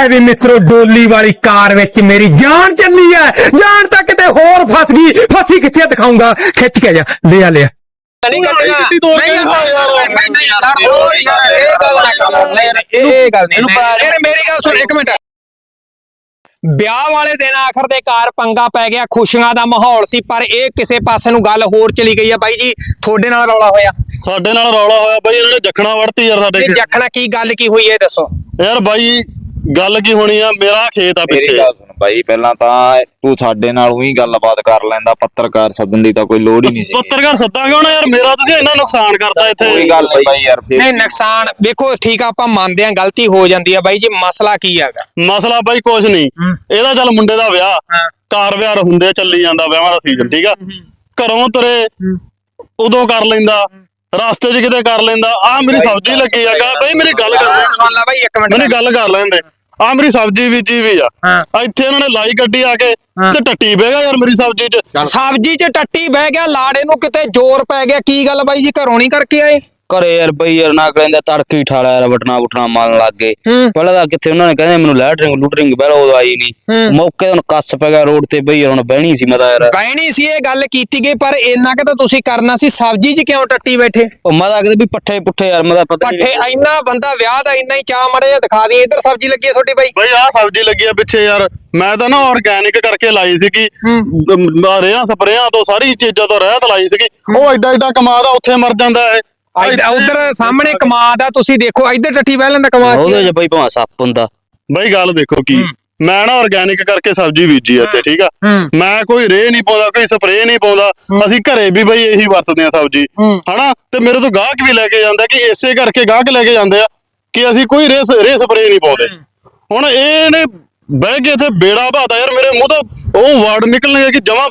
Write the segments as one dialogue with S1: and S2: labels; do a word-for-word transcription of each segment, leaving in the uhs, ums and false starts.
S1: ਲੈ ਵੀ ਮਿੱਤਰੋ ਡੋਲੀ ਵਾਲੀ ਕਾਰ ਵਿੱਚ ਮੇਰੀ ਜਾਨ ਚੱਲੀ ਹੈ। ਜਾਨ ਤਾਂ ਕਿਤੇ ਹੋਰ ਫਸ ਗਈ। ਫਸੀ ਕਿੱਥੇ ਦਿਖਾਉਂਗਾ। ਖਿੱਚ ਕੇ ਜਾ ਲਿਆ ਲਿਆ
S2: ਨਹੀਂ ਕੱਢਣਾ ਨਹੀਂ ਯਾਰ ਹੋਰ ਯਾਰ ਇਹ ਗੱਲ ਨਾ ਕਰ ਲੈ ਇਹ ਗੱਲ ਨਹੀਂ ਯਾਰ ਮੇਰੀ ਗੱਲ ਸੁਣ ਇੱਕ ਮਿੰਟ। ਵਿਆਹ ਵਾਲੇ ਦਿਨ ਆਖਰ ਦੇ ਕਾਰ ਪੰਗਾ ਪੈ ਗਿਆ, ਖੁਸ਼ੀਆਂ ਦਾ ਮਾਹੌਲ ਸੀ, ਪਰ ਇਹ ਕਿਸੇ ਪਾਸੇ ਨੂੰ ਗੱਲ ਹੋਰ ਚਲੀ ਗਈ ਆ। ਬਾਈ ਜੀ ਤੁਹਾਡੇ ਨਾਲ ਰੌਲਾ ਹੋਇਆ?
S3: ਸਾਡੇ ਨਾਲ ਰੌਲਾ ਹੋਇਆ ਬਾਈ, ਇਹਨਾਂ ਨੇ ਜਖਣਾ ਵੜਤੀ ਯਾਰ ਸਾਡੇ।
S2: ਜਖਣਾ ਕੀ ਗੱਲ ਕੀ ਹੋਈ ਹੈ ਦੱਸੋ
S3: ਯਾਰ ਬਾਈ। ਗੱਲ ਕੀ ਹੋਣੀ ਆ, ਮੇਰਾ ਖੇਤ ਆ ਪਿੱਛੇ।
S4: ਮੇਰੀ ਗੱਲ ਸੁਣ ਬਾਈ, ਪਹਿਲਾਂ ਤਾਂ ਤੂੰ ਸਾਡੇ ਨਾਲ ਉਹੀ ਗੱਲਬਾਤ ਕਰ ਲੈਂਦਾ। ਪੱਤਰਕਾਰ ਸੱਦਣ ਦੀ ਤਾਂ ਕੋਈ ਲੋੜ ਹੀ ਨਹੀਂ ਸੀ।
S3: ਪੱਤਰਕਾਰ ਸੱਦਾਂਗੇ ਹੁਣ ਯਾਰ, ਮੇਰਾ ਤੁਸੀਂ ਇੰਨਾ ਨੁਕਸਾਨ ਕਰਤਾ ਇੱਥੇ।
S4: ਕੋਈ ਗੱਲ ਨਹੀਂ ਬਾਈ ਯਾਰ।
S2: ਨਹੀਂ ਨੁਕਸਾਨ ਵੇਖੋ ਠੀਕ ਆ, ਆਪਾਂ ਮੰਨਦੇ ਆਂ ਗਲਤੀ ਹੋ ਜਾਂਦੀ ਆ ਬਾਈ ਜੀ। ਮਸਲਾ ਕੀ ਹੈਗਾ?
S3: ਮਸਲਾ ਬਾਈ ਕੁਛ ਨਹੀਂ, ਇਹਦਾ ਚੱਲ ਮੁੰਡੇ ਦਾ ਵਿਆਹ ਕਾਰ ਵਿਆਹ ਹੁੰਦੇ ਚੱਲੀ ਜਾਂਦਾ, ਵਿਆਹਾਂ ਦਾ ਸੀਜ਼ਨ ਠੀਕ ਆ। ਘਰੋਂ ਤੁਰੇ ਉਦੋਂ ਕਰ ਲੈਂਦਾ, ਰਸਤੇ 'ਚ ਕਿਤੇ ਕਰ ਲੈਂਦਾ। ਆ ਮੇਰੀ ਸਬਜ਼ੀ ਲੱਗੀ ਆ ਬਾਈ, ਮੇਰੀ ਗੱਲ ਕਰ
S2: ਸੁਣ ਲੈ ਬਾਈ ਇੱਕ ਮਿੰਟ,
S3: ਮੇਰੀ ਗੱਲ ਕਰ ਲੈਂਦੇ। ਆ ਮੇਰੀ ਸਬਜ਼ੀ ਬੀਜੀ ਵੀ ਆ, ਇੱਥੇ ਇਹਨਾਂ ਨੇ ਲਾਈ ਗੱਡੀ ਆ ਕੇ ਤੇ ਟੱਟੀ ਬਹਿ ਗਿਆ ਯਾਰ ਮੇਰੀ ਸਬਜ਼ੀ 'ਚ।
S2: ਸਬਜ਼ੀ 'ਚ ਟੱਟੀ ਬਹਿ ਗਿਆ, ਲਾੜੇ ਨੂੰ ਕਿਤੇ ਜ਼ੋਰ ਪੈ ਗਿਆ। ਕੀ ਗੱਲ ਬਾਈ ਜੀ ਘਰੋਂ ਨਹੀਂ ਕਰਕੇ ਆਏ?
S5: ਘਰੇ ਯਾਰ ਬਈ ਯਾਰ ਨਾ ਕਹਿੰਦੇ ਤੜਕੇ ਠਾਲਾ ਯਾਰ ਬਟਨਾ ਬੁਟਨਾ ਮਾਰਨ ਲੱਗ ਗਏ। ਪਹਿਲਾਂ ਤਾਂ ਕਿੱਥੇ ਉਹਨਾਂ ਨੇ ਕਹਿੰਦੇ ਮੈਨੂੰ ਲੈਟਰਿੰਗ ਲੂਟਰਿੰਗ ਪਹਿਲਾਂ ਉਦੋਂ ਆਈ ਨਹੀਂ। ਮੌਕੇ ਹੁਣ ਕੱਸ ਪੈ ਗਿਆ ਰੋਡ ਤੇ ਬਈ ਹੁਣ ਬਹਿਣੀ ਸੀ। ਮੈਂ ਤਾਂ ਯਾਰ
S2: ਬਹਿਣੀ ਸੀ ਇਹ ਗੱਲ ਕੀਤੀ ਗਈ, ਪਰ ਇੰਨਾ ਕਿ ਤਾਂ ਤੁਸੀਂ ਕਰਨਾ ਸੀ। ਸਬਜ਼ੀ 'ਚ ਕਿਉਂ ਟੱਟੀ ਬੈਠੇ?
S5: ਉਹ ਮੈਂ ਤਾਂ ਕਹਿੰਦੇ ਵੀ ਪੱਠੇ ਪੁੱਠੇ ਯਾਰ ਮੈਂ ਤਾਂ ਪਤਾ
S2: ਪੱਠੇ ਇੰਨਾ ਬੰਦਾ ਵਿਆਹ ਦਾ ਇੰਨਾ ਹੀ ਚਾਹ ਮੜੇ ਜਿਹਾ ਦਿਖਾ ਦੀ। ਇੱਧਰ ਸਬਜ਼ੀ ਲੱਗੀ ਹੈ ਤੁਹਾਡੀ ਬਾਈ?
S3: ਬਾਈ ਆਹ ਸਬਜ਼ੀ ਲੱਗੀ ਆ ਪਿੱਛੇ ਯਾਰ, ਮੈਂ ਤਾਂ ਨਾ ਆਰਗੈਨਿਕ ਕਰਕੇ ਲਾਈ ਸੀਗੀ। ਰੇਹਾਂ ਸਪਰੇਆਂ ਤੋਂ ਸਾਰੀ ਚੀਜ਼ਾਂ ਤੋਂ ਰਹਿਤ ਲਾਈ ਸੀਗੀ। ਉਹ ਐਡਾ ਐਡਾ ਕਮਾਦ ਆ, ਉੱਥੇ ਮਰ ਜਾਂਦਾ ਇਹ।
S2: ਉਧਰ ਸਾਹਮਣੇ ਕਮਾਦ ਆ, ਤੁਸੀਂ ਦੇਖੋ ਇੱਧਰ ਟੱਟੀ ਬਹਿ ਲੈਂਦਾ ਕਮਾਦ।
S5: ਉਹਦੇ 'ਚ ਬਈ ਭਾਵੇਂ ਸੱਪ ਹੁੰਦਾ।
S3: ਬਾਈ ਗੱਲ ਦੇਖੋ ਕੀ, ਮੈਂ ਨਾ ਆਰਗੈਨਿਕ ਕਰਕੇ ਸਬਜ਼ੀ ਬੀਜੀ ਇੱਥੇ ਠੀਕ ਆ। ਮੈਂ ਕੋਈ ਰੇ ਨਹੀਂ ਪਾਉਂਦਾ, ਕੋਈ ਸਪਰੇ ਨਹੀਂ ਪਾਉਂਦਾ। ਅਸੀਂ ਘਰੇ ਵੀ ਬਈ ਇਹੀ ਵਰਤਦੇ ਆ ਸਬਜ਼ੀ ਹਨਾ। ਤੇ ਮੇਰੇ ਤੋਂ ਗਾਹਕ ਵੀ ਲੈ ਕੇ ਜਾਂਦਾ ਕਿ ਇਸੇ ਕਰਕੇ ਗਾਹਕ ਲੈ ਕੇ ਜਾਂਦੇ ਆ ਕਿ ਅਸੀਂ ਕੋਈ ਰੇ ਰੇ ਸਪਰੇ ਨਹੀਂ ਪਾਉਂਦੇ। ਹੁਣ ਇਹਨੇ ਬਹਿ ਕੇ ਇੱਥੇ ਬੇੜਾ ਬਾਤਾ ਯਾਰ, ਮੇਰੇ ਮੂੰਹ ਤੋਂ ਉਹ ਵਰਡ ਨਿਕਲਣਗੇ ਕਿ ਜਮਾ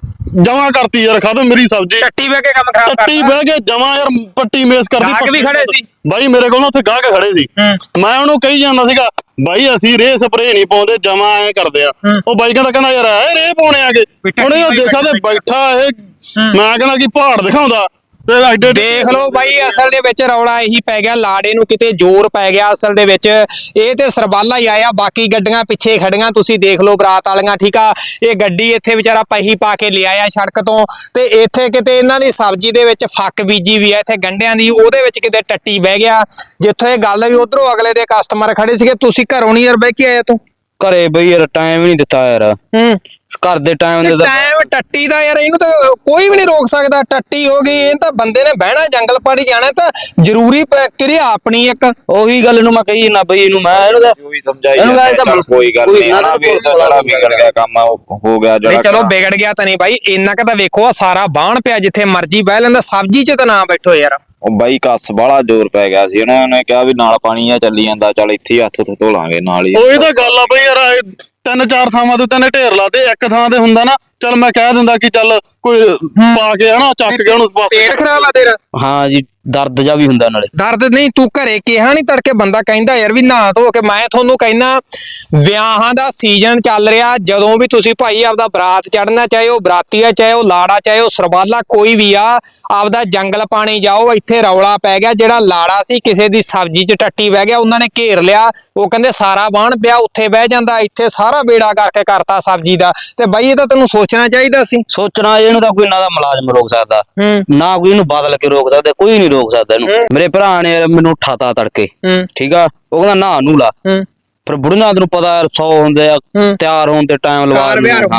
S3: ਜਮਾ ਕਰਤੀ ਯਾਰ ਖਤਮ ਮੇਰੀ ਸਬਜ਼ੀ।
S2: ਟੱਟੀ ਬਹਿ ਕੇ ਕੰਮ ਖਰਾਬ ਕਰਤਾ।
S3: ਟੱਟੀ ਬਹਿ ਕੇ ਜਮਾ ਯਾਰ ਪੱਟੀ ਮੇਸ ਕਰਦੀ।
S2: ਗਾਹਕ ਵੀ ਖੜੇ ਸੀ
S3: ਬਾਈ ਮੇਰੇ ਕੋਲ ਉੱਥੇ ਗਾਹਕ ਖੜੇ ਸੀ। ਮੈਂ ਉਹਨੂੰ ਕਹੀ ਜਾਂਦਾ ਸੀਗਾ ਬਾਈ ਅਸੀਂ ਰੇ ਸਪਰੇ ਨਹੀਂ ਪਾਉਂਦੇ, ਜਮਾ ਐ ਕਰਦੇ ਆ। ਉਹ ਬਾਈ ਕਹਿੰਦਾ ਕਹਿੰਦਾ ਯਾਰ ਐ ਰੇ ਪਾਉਣੇ ਆਗੇ। ਹੁਣ ਇਹ ਦੇਖਾ ਤੇ ਬੈਠਾ ਇਹ, ਮੈਂ ਕਹਿੰਦਾ ਕਿ ਪਹਾੜ ਦਿਖਾਉਂਦਾ ਤੇ ਐਡੇ।
S2: ਦੇਖ ਲਓ ਬਾਈ ਅਸਲ ਦੇ ਵਿੱਚ ਰੌਲਾ ਇਹੀ ਪੈ ਗਿਆ, ਲਾੜੇ ਨੂੰ ਕਿਤੇ ਜ਼ੋਰ ਪੈ ਗਿਆ ਅਸਲ ਦੇ ਵਿੱਚ। ਇਹ ਤੇ ਸਰਬਾਲਾ ਹੀ ਆਇਆ, ਬਾਕੀ ਗੱਡੀਆਂ ਪਿੱਛੇ ਖੜੀਆਂ ਤੁਸੀਂ ਦੇਖ ਲਓ ਬਰਾਤ ਵਾਲੀਆਂ ਠੀਕ ਆ। ਇਹ ਗੱਡੀ ਇੱਥੇ ਵਿਚਾਰਾ ਪਹੀ ਪਾ ਕੇ ਲਿਆਇਆ ਸੜਕ ਤੋਂ, ਤੇ ਇੱਥੇ ਕਿਤੇ ਇਹਨਾਂ ਦੀ ਸਬਜ਼ੀ ਦੇ ਵਿੱਚ ਫੱਕ ਬੀਜੀ ਵੀ ਆ ਇੱਥੇ ਗੰਢਿਆਂ ਦੀ, ਉਹਦੇ ਵਿੱਚ ਕਿਤੇ ਟੱਟੀ ਬਹਿ ਗਿਆ। ਜਿੱਥੋਂ ਇਹ ਗੱਲ ਵੀ ਉਧਰੋਂ ਅਗਲੇ ਦੇ ਕਸਟਮਰ ਖੜੇ ਸੀਗੇ, ਤੁਸੀਂ ਘਰੋਂ ਨਹੀਂ ਯਾਰ ਬਹਿ ਕੇ ਆਏ ਤੂੰ?
S5: ਘਰੇ ਬਈ ਯਾਰ ਟਾਈਮ ਹੀ ਨਹੀਂ ਦਿੱਤਾ ਯਾਰ।
S2: ਹੂੰ
S5: ਘਰ ਦੇ ਟਾਈਮ ਦੇ
S2: ਟਾਈਮ ਟੱਟੀ ਦਾ ਯਾਰ ਇਹਨੂੰ ਤਾਂ ਕੋਈ ਵੀ ਨਹੀਂ ਰੋਕ ਸਕਦਾ। ਟੱਟੀ ਹੋ ਗਈ, ਇਹ ਤਾਂ ਬੰਦੇ ਨੇ ਬਹਿਣਾ ਜੰਗਲ ਪਾੜੀ ਜਾਣਾ, ਤਾਂ ਜ਼ਰੂਰੀ ਕਿਰਿਆ ਆਪਣੀ ਇੱਕ।
S5: ਉਹੀ ਗੱਲ ਨੂੰ ਮੈਂ ਕਹੀ ਨਾ ਬਈ ਇਹਨੂੰ ਮੈਂ ਇਹਨੂੰ ਤਾਂ
S4: ਉਹੀ ਸਮਝਾਈ ਜਾਂਦਾ ਕੋਈ ਗੱਲ ਨਹੀਂ ਹਨਾ ਵੀ ਜਿਹੜਾ ਵਿਗੜ ਗਿਆ ਕੰਮ ਹੋ ਗਿਆ ਜਿਹੜਾ।
S2: ਚਲੋ ਵਿਗੜ ਗਿਆ ਤਾਂ ਨਹੀਂ ਬਾਈ, ਇੰਨਾ ਕੁ ਤਾਂ ਵੇਖੋ ਸਾਰਾ ਬਾਣ ਪਿਆ, ਜਿੱਥੇ ਮਰਜੀ ਬਹਿ ਲੈਂਦਾ। ਸਬਜ਼ੀ 'ਚ ਤਾਂ ਨਾ ਬੈਠੋ ਯਾਰ।
S4: ਉਹ ਬਾਈ ਕੱਸ ਬਾਹਲਾ ਜ਼ੋਰ ਪੈ ਗਿਆ ਸੀ, ਉਹਨਾਂ ਨੇ ਕਿਹਾ ਵੀ ਨਾਲ ਪਾਣੀ ਆ ਚੱਲੀ ਜਾਂਦਾ, ਚੱਲ ਇੱਥੇ ਹੱਥ ਉੱਥੇ ਧੋ ਲਾਂਗੇ ਨਾਲ ਹੀ।
S3: ਉਹ ਇਹ ਤਾਂ ਗੱਲ ਆ ਬਈ ਯਾਰ, ਤਿੰਨ ਚਾਰ ਥਾਵਾਂ ਤੇ ਤੈਨੇ ਢੇਰ ਲਾਤੇ, ਇੱਕ ਥਾਂ ਤੇ ਹੁੰਦਾ ਨਾ ਚੱਲ ਮੈਂ ਕਹਿ ਦਿੰਦਾ ਕਿ ਚੱਲ ਕੋਈ ਪਾ ਕੇ ਹਨਾ ਚੱਕ ਕੇ ਉਹਨੂੰ।
S2: ਪੇਟ ਖਰਾਬ ਆ ਤੇਰਾ?
S5: ਹਾਂ ਜੀ ਦਰਦ ਜਾ ਵੀ ਹੁੰਦਾ ਨਾਲੇ।
S2: ਦਰਦ ਨਹੀਂ ਤੂੰ ਘਰੇ ਕਿਹਾ ਨਹੀਂ ਤੜਕੇ ਬੰਦਾ ਕਹਿੰਦਾ ਯਾਰ ਵੀ ਨਹਾ ਧੋ ਕੇ। ਮੈਂ ਤੁਹਾਨੂੰ ਕਹਿੰਦਾ ਵਿਆਹਾਂ ਦਾ ਸੀਜ਼ਨ ਚੱਲ ਰਿਹਾ, ਜਦੋਂ ਵੀ ਤੁਸੀਂ ਭਾਈ ਆਪਦਾ ਬਰਾਤ ਚੜਨਾ, ਚਾਹੇ ਉਹ ਬਰਾਤੀ ਆ ਚਾਹੇ ਉਹ ਲਾੜਾ ਚਾਹੇ ਉਹ ਸਰਬਾਲਾ ਕੋਈ ਵੀ ਆ, ਆਪਦਾ ਜੰਗਲ ਪਾਣੀ ਜਾਓ। ਇੱਥੇ ਰੌਲਾ ਪੈ ਗਿਆ, ਜਿਹੜਾ ਲਾੜਾ ਸੀ ਕਿਸੇ ਦੀ ਸਬਜ਼ੀ 'ਚ ਟੱਟੀ ਬਹਿ ਗਿਆ, ਉਹਨਾਂ ਨੇ ਘੇਰ ਲਿਆ। ਉਹ ਕਹਿੰਦੇ ਸਾਰਾ ਬਾਣ ਪਿਆ, ਉੱਥੇ ਬਹਿ ਜਾਂਦਾ, ਇੱਥੇ ਸਾਰਾ ਬੇੜਾ ਕਰਕੇ ਕਰਤਾ ਸਬਜ਼ੀ ਦਾ। ਤੇ ਬਾਈ ਇਹ ਤਾਂ ਤੈਨੂੰ ਸੋਚਣਾ ਚਾਹੀਦਾ ਸੀ।
S5: ਸੋਚਣਾ ਇਹਨੂੰ ਤਾਂ ਕੋਈ ਨਾ ਦਾ ਮੁਲਾਜ਼ਮ ਰੋਕ ਸਕਦਾ ਨਾ ਕੋਈ ਇਹਨੂੰ ਬਦਲ ਕੇ ਰੋਕ ਸਕਦਾ, ਕੋਈ ਨਹੀਂ ਰੋਕ ਸਕਦਾ ਇਹਨੂੰ। ਮੇਰੇ ਭਰਾ ਨੇ ਮੈਨੂੰ ਉਠਾਤਾ ਤੜਕੇ ਠੀਕ ਆ, ਉਹ ਕਹਿੰਦਾ ਨਾ ਨੂੰ ਲਾ। ਫਿਰ ਬੁੜੀਆਂ ਨੂੰ ਪਤਾ ਯਾਰ ਸੌ ਹੁੰਦੇ ਆ, ਤਿਆਰ ਹੋਣ ਤੇ ਟਾਈਮ ਲਵਾ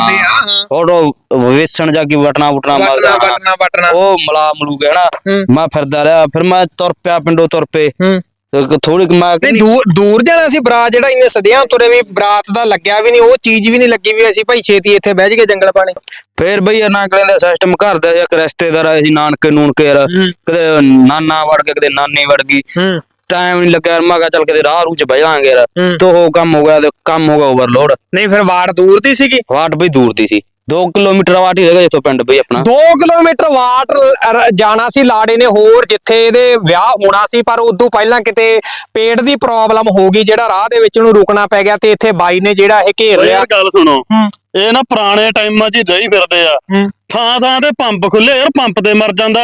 S5: ਫੋਟੋ ਵੇਸਣ ਜਾ ਕੇ ਬਟਨਾ ਬੁਟਨਾ ਮਲਦਾ, ਉਹ ਮਲਾ ਮਲੂ ਗਿਆ ਨਾ। ਮੈਂ ਫਿਰਦਾ ਰਿਹਾ, ਫਿਰ ਮੈਂ ਤੁਰ ਪਿਆ ਪਿੰਡੋਂ ਤੁਰ ਪਏ ਥੋੜੀ।
S2: ਦੂਰ ਦੂਰ ਜਾਣਾ ਸੀ ਬਰਾਤ, ਜਿਹੜਾ ਇੰਨੇ ਸਦਿਆਂ ਤੁਰੇ ਵੀ ਬਰਾਤ ਦਾ ਲੱਗਿਆ ਵੀ ਨਹੀਂ, ਉਹ ਚੀਜ਼ ਵੀ ਨਹੀਂ ਲੱਗੀ ਵੀ ਅਸੀਂ ਭਾਈ ਛੇਤੀ ਇੱਥੇ ਬਹਿ ਜਗੇ ਜੰਗਲ ਪਾਣੀ।
S5: ਫੇਰ ਬਈ ਨਾ ਕਹਿੰਦੇ ਸਿਸਟਮ ਘਰ ਦਾ ਇੱਕ ਰਿਸ਼ਤੇਦਾਰ ਆਏ ਸੀ, ਨਾਨਕੇ ਨੂਨਕੇ ਯਾਰ, ਕਦੇ ਨਾਨਾ ਵੜ ਗਿਆ ਕਦੇ ਨਾਨੀ ਵੜ ਗਈ, ਟਾਈਮ ਨੀ ਲੱਗਿਆ। ਮੈਂ ਕਿਹਾ ਚੱਲ ਕਿਤੇ ਰਾਹ ਰੂ ਚ ਬਹਿ ਜਾਵਾਂਗੇ ਯਾਰ, ਤੇ ਉਹ ਕੰਮ ਹੋ ਗਿਆ ਤੇ ਕੰਮ ਹੋ ਗਿਆ ਓਵਰਲੋਡ।
S2: ਨਹੀਂ ਫਿਰ ਵਾਟ ਦੂਰ ਦੀ ਸੀਗੀ?
S5: ਵਾਟ ਬਈ ਦੂਰ ਦੀ ਸੀ, ਦੋ ਕਿਲੋਮੀਟਰ ਵਾਟ ਹੀ ਹੈਗਾ ਜਿੱਥੋਂ ਪਿੰਡ ਬਈ ਆਪਣਾ।
S2: ਦੋ ਕਿਲੋਮੀਟਰ ਵਾਟ ਜਾਣਾ ਸੀ ਲਾੜੇ ਨੇ ਹੋਰ, ਜਿੱਥੇ ਇਹਦੇ ਵਿਆਹ ਹੋਣਾ ਸੀ। ਪਰ ਉਦੋਂ ਪਹਿਲਾਂ ਕਿਤੇ ਪੇਟ ਦੀ ਪ੍ਰੋਬਲਮ ਹੋ ਗਈ, ਜਿਹੜਾ ਰਾਹ ਦੇ ਵਿੱਚ ਉਹਨੂੰ ਰੁਕਣਾ ਪੈ ਗਿਆ, ਤੇ ਇੱਥੇ ਬਾਈ ਨੇ ਜਿਹੜਾ ਇਹ ਘੇਰ ਲਿਆ।
S3: ਗੱਲ ਸੁਣੋ, ਇਹ ਨਾ ਪੁਰਾਣੇ ਟਾਈਮਾਂ 'ਚ ਰਹੀ ਫਿਰਦੇ ਆ, ਥਾਂ ਥਾਂ ਤੇ ਪੰਪ ਖੁੱਲੇ ਯਾਰ, ਪੰਪ ਤੇ ਮਰ ਜਾਂਦਾ ਇਹ।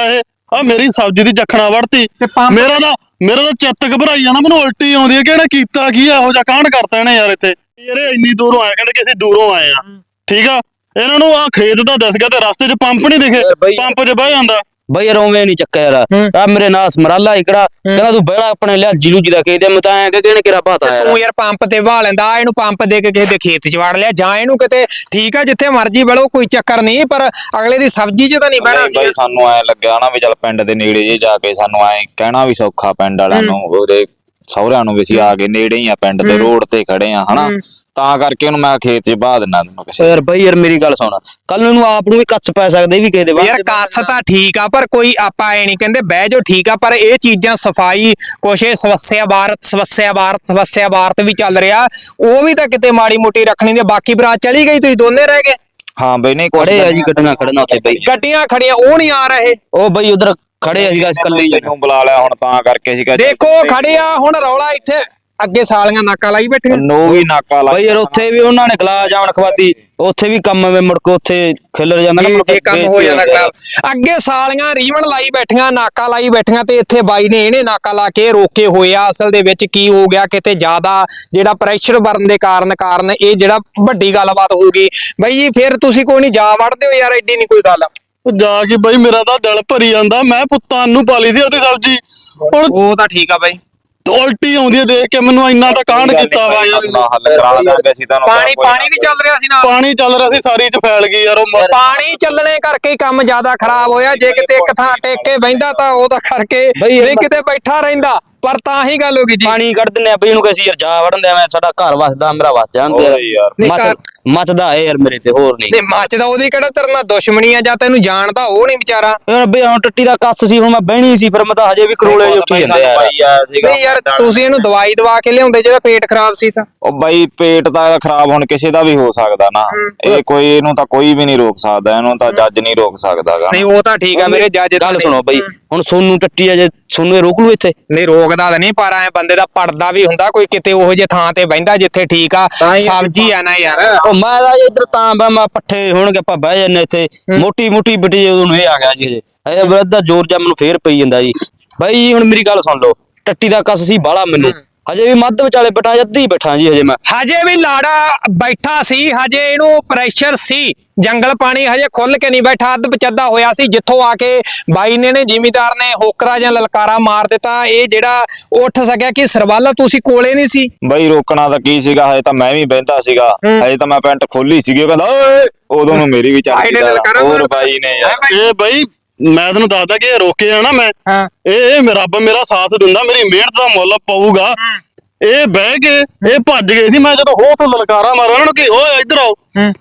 S3: ਆ ਮੇਰੀ ਸਬਜ਼ੀ ਦੀ ਜਖਣਾ ਵੜਤੀ
S1: ਤੇ ਪੰਪ-
S3: ਮੇਰਾ ਤਾਂ ਮੇਰਾ ਤਾਂ ਚਿੱਤ ਘਬਰਾਈ ਜਾਂਦਾ ਮੈਨੂੰ ਉਲਟੀ ਆਉਂਦੀ ਹੈ ਕਿ ਇਹਨੇ ਕੀਤਾ ਕੀ ਆ ਇਹੋ ਜਿਹਾ ਕਾਂਡ ਕਰਤਾ ਇਹਨੇ ਯਾਰ ਇੱਥੇ ਯਾਰ ਇਹ ਇੰਨੀ ਦੂਰੋਂ ਆਏ ਕਹਿੰਦੇ ਕਿ ਅਸੀਂ ਦੂਰੋਂ ਆਏ ਆ ਠੀਕ ਆ ਇਹਨਾਂ ਨੂੰ ਆ ਖੇਤ ਦਾ ਦਿਸ ਗਿਆ ਤੇ ਰਸਤੇ 'ਚ ਪੰਪ ਨਹੀਂ ਦਿਖੇ
S5: ਬਈ-
S3: ਪੰਪ 'ਚ ਬਹਿ ਜਾਂਦਾ
S5: ਬਈ ਯਾਰ ਉਵੇਂ ਨਹੀਂ ਚੱਕਿਆ ਯਾਰ ਆ ਮੇਰੇ ਨਾਲ ਸਮਰਾਲਾ ਇਕੜਾ ਕਹਿੰਦਾ ਤੂੰ ਬਹਿਲਾ ਆਪਣੇ ਲਿਆ ਜੀਲੂ ਜੀ ਦਾ ਕਹਿੰਦੇ ਮੈਂ ਤਾਂ ਐ ਕਿ ਕਿਹਨੇ ਕਿਹੜਾ ਪਤਾ ਯਾਰ
S2: ਤੂੰ ਯਾਰ ਪੰਪ ਤੇ ਵਾਹ ਲੈਂਦਾ ਇਹਨੂੰ ਪੰਪ ਦੇ ਕੇ ਕਿਸੇ ਦੇ ਖੇਤ ਚ ਵੜ ਲਿਆ ਜਾਂ ਇਹਨੂੰ ਕਿਤੇ ਠੀਕ ਆ ਜਿੱਥੇ ਮਰਜੀ ਬਲੋ ਕੋਈ ਚੱਕਰ ਨਹੀਂ ਪਰ ਅਗਲੇ ਦੀ ਸਬਜ਼ੀ ਚ ਤਾਂ ਨਹੀਂ ਬਹਿਣਾ
S4: ਨਹੀਂ ਬਈ ਸਾਨੂੰ ਐ ਲੱਗਿਆ ਨਾ ਵੀ ਚੱਲ ਪਿੰਡ ਦੇ ਨੇੜੇ ਜੇ ਜਾ ਕੇ ਸਾਨੂੰ ਐ ਕਹਿਣਾ ਵੀ ਸੌਖਾ ਪਿੰਡ ਵਾਲਿਆਂ ਨੂੰ ਉਹਦੇ ਸਹੁਰਿਆਂ ਨੂੰ ਵੀ ਅਸੀਂ ਆ ਕੇ ਨੇੜੇ ਹੀ ਆ ਪਿੰਡ ਦੇ ਰੋਡ ਤੇ ਖੜੇ ਆ ਹਨਾ ਤਾਂ ਕਰਕੇ ਉਹਨੂੰ ਮੈਂ ਖੇਤ 'ਚ ਬਾਹ ਦਿੰਦਾ ਤੈਨੂੰ ਕਿਸੇ
S5: ਯਾਰ ਬਈ ਯਾਰ ਮੇਰੀ ਗੱਲ ਸੁਣ ਕੱਲ ਨੂੰ ਆਪ ਨੂੰ ਵੀ ਕੱਚ ਪੈ ਸਕਦੇ ਵੀ ਕਿਸੇ ਦੇ ਬਾਅਦ
S2: ਯਾਰ ਕੱਸ ਤਾਂ ਠੀਕ ਆ ਪਰ ਕੋਈ ਆਪਾਂ ਐ ਨਹੀਂ ਕਹਿੰਦੇ ਬਹਿ ਜਾਓ ਠੀਕ ਆ ਪਰ ਇਹ ਚੀਜ਼ਾਂ ਸਫਾਈ ਕੁਛ ਇਹ ਸਮੱਸਿਆ ਭਾਰਤ ਸਮੱਸਿਆ ਭਾਰਤ ਸਮੱਸਿਆ ਭਾਰਤ ਵੀ ਚੱਲ ਰਿਹਾ ਉਹ ਵੀ ਤਾਂ ਕਿਤੇ ਮਾੜੀ ਮੋਟੀ ਰੱਖਣੀ ਤੇ ਬਾਕੀ ਬਰਾਤ ਚਲੀ ਗਈ ਤੁਸੀਂ ਦੋਨੇ ਰਹਿ ਗਏ
S4: ਹਾਂ ਬਈ ਨਹੀਂ ਕੁਛ
S5: ਖੜੇ ਆ ਜੀ ਗੱਡੀਆਂ ਖੜਨਾ ਉੱਥੇ ਬਈ
S2: ਗੱਡੀਆਂ ਖੜੀਆਂ ਉਹ ਨਹੀਂ ਆ ਰਹੇ
S5: ਉਹ ਬਈ ਉਧਰ ਖੜੇ ਆ ਜੀ ਗਾਇਸ ਕੱਲੇ ਹੀ
S4: ਤੈਨੂੰ ਬੁਲਾ ਲਿਆ ਹੁਣ ਤਾਂ ਕਰਕੇ ਸੀਗਾ
S2: ਦੇਖੋ ਖੜਿਆ ਹੁਣ ਰੌਲਾ ਇੱਥੇ ਅੱਗੇ ਸਾਲੀਆਂ ਨਾਕਾ ਲਾਈ ਬੈਠੀਆਂ
S4: ਨੋ ਵੀ ਨਾਕਾ ਲਾ
S5: ਬਈ ਯਾਰ ਉੱਥੇ ਵੀ ਉਹਨਾਂ ਨੇ ਗਲਾ ਜਾਵਣ ਖਵਾਤੀ ਉੱਥੇ ਵੀ ਕੰਮ ਵੇ ਮੁੜ ਕੇ ਉੱਥੇ ਖਿਲਰ ਜਾਂਦਾ ਨਾ ਮੁੜ ਕੇ
S2: ਇਹ ਕੰਮ ਹੋ ਜਾਂਦਾ ਖਰਾਬ ਅੱਗੇ ਸਾਲੀਆਂ ਰੀਵਨ ਲਾਈ ਬੈਠੀਆਂ ਨਾਕਾ ਲਾਈ ਬੈਠੀਆਂ ਤੇ ਇੱਥੇ ਬਾਈ ਨੇ ਇਹਨੇ ਨਾਕਾ ਲਾ ਕੇ ਰੋਕੇ ਹੋਏ ਆ ਅਸਲ ਦੇ ਵਿੱਚ ਕੀ ਹੋ ਗਿਆ ਕਿਤੇ ਜ਼ਿਆਦਾ ਜਿਹੜਾ ਪ੍ਰੈਸ਼ਰ ਬਰਨ ਦੇ ਕਾਰਨ ਕਾਰਨ ਇਹ ਜਿਹੜਾ ਵੱਡੀ ਗੱਲਬਾਤ ਹੋ ਗਈ ਬਾਈ ਜੀ ਫਿਰ ਤੁਸੀਂ ਕੋਈ ਨਹੀਂ ਜਾ ਵੜਦੇ ਹੋ ਯਾਰ ਐਡੀ ਨਹੀਂ ਕੋਈ ਗੱਲ
S3: ਉਹ ਜਾ ਕੇ ਬਈ ਮੇਰਾ ਤਾਂ ਦਿਲ ਭਰੀ ਜਾਂਦਾ ਮੈਂ ਪੁੱਤਾਂ ਨੂੰ ਪਾਲੀ ਸੀ ਉਹਦੀ ਸਬਜ਼ੀ ਹੁਣ
S2: ਉਹ ਤਾਂ ਠੀਕ ਆ ਬਾਈ
S3: ਉਲਟੀ ਆਉਂਦੀ ਹੈ ਦੇਖ ਕੇ ਮੈਨੂੰ ਇੰਨਾ ਤਾਂ ਕਾਂਡ ਕੀਤਾ ਵਾ ਯਾਰ
S4: ਆਪਣਾ ਹੱਲ ਕਰਾ ਦਾਂਗੇ ਅਸੀਂ ਤੁਹਾਨੂੰ
S2: ਪਾਣੀ ਪਾਣੀ ਵੀ ਚੱਲ ਰਿਹਾ ਸੀ ਨਾਲ
S3: ਪਾਣੀ ਚੱਲ ਰਿਹਾ ਸੀ ਸਾਰੀ ਚ ਫੈਲ ਗਈ ਯਾਰ ਉਹ ਮ-
S2: ਪਾਣੀ ਚੱਲਣੇ ਕਰਕੇ ਹੀ ਕੰਮ ਜ਼ਿਆਦਾ ਖਰਾਬ ਹੋਇਆ ਜੇ ਕਿਤੇ ਇੱਕ ਥਾਂ ਟੇਕ ਕੇ ਬਹਿੰਦਾ ਤਾਂ ਉਹਦਾ ਕਰਕੇ
S5: ਬਈ ਇਹ
S2: ਨਹੀਂ ਕਿਤੇ ਬੈਠਾ ਰਹਿੰਦਾ ਪਰ ਤਾਂ ਹੀ ਗੱਲ ਹੋ ਗਈ ਜੀ
S5: ਪਾਣੀ ਕੱਢ ਦਿੰਨੇ ਆ ਬਈ ਇਹਨੂੰ ਕਹੀ ਯਾਰ ਜਾ ਵੜਨ ਦੇ ਮੈਂ ਸਾਡਾ ਘਰ ਵਸਦਾ ਮੇਰਾ ਵਸ ਜਾਂਦੇ
S4: ਹੋਰ ਯਾਰ।
S2: ਨਹੀਂ
S5: ਮੱਚ
S2: ਘਰ-
S5: ਮੱਚਦਾ ਏ ਯਾਰ ਮੇਰੇ ਤੇ ਹੋਰ ਨਹੀਂ
S2: ਨਹੀਂ ਮੱਚਦਾ ਉਹਦੀ ਕਿਹੜਾ ਤੇਰੇ ਨਾਲ ਦੁਸ਼ਮਣੀ ਆ ਜਾਂ ਤੈਨੂੰ ਜਾਣਦਾ ਉਹ ਨਹੀਂ ਵਿਚਾਰਾ
S5: ਯਾਰ ਬਈ ਹੁਣ ਟੱਟੀ ਦਾ ਕੱਸ ਸੀ ਹੁਣ ਮੈਂ ਬਹਿਣੀ ਸੀ ਫਿਰ ਮੈਂ ਤਾਂ ਹਜੇ ਵੀ ਕਰੋਲੇ ਜਿਹੇ ਉੱਠੀ ਜਾਂਦੇ ਆ
S4: ਬਾਈ ਆਇਆ ਸੀਗਾ
S2: ਨਹੀਂ ਯਾਰ ਤੁਸੀਂ ਇਹਨੂੰ ਦਵਾਈ ਦਵਾ ਕੇ ਲਿਆਉਂਦੇ ਜਿਹੜਾ ਪੇਟ ਖਰਾਬ ਸੀ ਤਾਂ
S4: ਉਹ ਬਾਈ ਪੇਟ ਤਾਂ ਇਹਦਾ ਖਰਾਬ ਹੁਣ ਕਿਸੇ ਦਾ ਵੀ ਹੋ ਸਕਦਾ ਨਾ ਇਹ ਕੋਈ ਇਹਨੂੰ ਤਾਂ ਕੋਈ ਵੀ ਨਹੀਂ ਰੋਕ ਸਕਦਾ ਇਹਨੂੰ ਤਾਂ ਜੱਜ ਨਹੀਂ ਰੋਕ ਸਕਦਾਗਾ
S2: ਨਹੀਂ ਉਹ ਤਾਂ ਠੀਕ ਆ ਮੇਰੇ ਜੱਜ
S5: ਗੱਲ ਸੁਣੋ ਬਈ ਹੁਣ ਸੋਨੂੰ ਟੱਟੀ ਆ ਜੇ ਸੋਨੂੰ ਇਹ ਰੋਕ ਲੂ ਇੱਥੇ
S2: ਨਹੀਂ ਰੋਕਦਾ ਤਾਂ ਨਹੀਂ ਪਰ ਐ ਬੰਦੇ ਦਾ ਪੜਦਾ ਵੀ ਹੁੰਦਾ ਕੋਈ ਕਿਤੇ ਉਹੋ ਜਿਹੇ ਥਾਂ ਤੇ ਬਹਿੰਦਾ ਜਿੱਥੇ ਠੀਕ ਆ ਸਬਜ਼ੀ ਆ ਨਾ ਯਾਰ
S5: ਉਹ ਮੈਂ ਤਾਂ ਇੱਧਰ ਤਾਂ ਬਾ ਮੈਂ ਪੱਠੇ ਹੋਣਗੇ ਆਪਾਂ ਬਹਿ ਜੰਨੇ ਇੱਥੇ ਮੋਟੀ ਮੋਟੀ ਬਿਟੀ ਉਦੋਂ ਇਹ ਆ ਗਿਆ ਜੀ ਹਜੇ ਇਹ ਬਰਦਾ ਜ਼ੋਰ ਜਾ ਮੈਨੂੰ ਫੇਰ ਪਈ ਜਾਂਦਾ ਜੀ ਬਾਈ ਹੁਣ ਮੇਰੀ ਗੱਲ ਸੁਣ ਲਓ ਟੱਟੀ ਦਾ ਕੱਸ ਸੀ ਬਾਲਾ ਮੈਨੂੰ ਹਜੇ ਵੀ ਮੱਧ ਵਿਚਾਲੇ ਬੈਠਾ ਜੱਦੀ ਬੈਠਾ ਜੀ ਹਜੇ ਮੈਂ
S2: ਹਜੇ ਵੀ ਲਾੜਾ ਬੈਠਾ ਸੀ ਹਜੇ ਇਹਨੂੰ ਪ੍ਰੈਸ਼ਰ ਸੀ ਜੰਗਲ ਪਾਣੀ ਹਜੇ ਖੁੱਲ ਕੇ ਨਹੀਂ ਬੈਠਾ ਅੱਧ ਪਚੱਦਾ ਹੋਇਆ ਸੀ ਜਿੱਥੋਂ ਆ ਕੇ ਬਾਈ ਨੇ ਨੇ ਜ਼ਿਮੀਦਾਰ ਨੇ ਹੋਕਰਾ ਜਾਂ ਲਲਕਾਰਾ ਮਾਰ ਦਿੱਤਾ ਇਹ ਜਿਹੜਾ ਉੱਠ ਸਕਿਆ ਕਿ ਸਰਵਾਲਾ ਤੁਸੀਂ ਕੋਲੇ ਨਹੀਂ ਸੀ
S4: ਬਾਈ ਰੋਕਣਾ ਤਾਂ ਕੀ ਸੀਗਾ ਹਜੇ ਤਾਂ ਮੈਂ ਵੀ ਬਹਿੰਦਾ ਸੀਗਾ ਹਜੇ ਤਾਂ ਮੈਂ ਪੈਂਟ ਖੋਲੀ ਸੀਗੀ ਉਹ ਕਹਿੰਦਾ ਓਏ ਉਦੋਂ ਨੂੰ ਮੇਰੀ ਵੀ ਚੱਲ
S2: ਬਾਈ ਨੇ
S4: ਗਈ
S2: ਲਲਕਾਰਾ
S4: ਹੋਰ
S2: ਮਾਰਤਾ।
S4: ਬਾਈ ਨੇ ਯਾਰ
S3: ਇਹ ਬਈ ਮੈਂ ਤੈਨੂੰ ਦੱਸਦਾ ਕਿ ਇਹ ਰੋਕੇ ਆ ਨਾ ਮੈਂ
S2: ਹਾਂ
S3: ਇਹ ਇਹ ਮੇਰਾ ਰੱਬ ਮੇਰਾ ਸਾਥ ਦਿੰਦਾ ਮੇਰੀ ਮਿਹਨਤ ਦਾ ਮੁੱਲ ਪਊਗਾ ਇਹ ਬਹਿ ਕੇ ਇਹ ਭੱਜ ਗਏ ਸੀ ਮੈਂ ਜਦੋਂ ਹੋ ਤੋਂ ਲਲਕਾਰਾ ਮਾਰਿਆ ਉਹਨਾਂ ਨੂੰ ਕਿ ਓਏ ਇੱਧਰ ਆਓ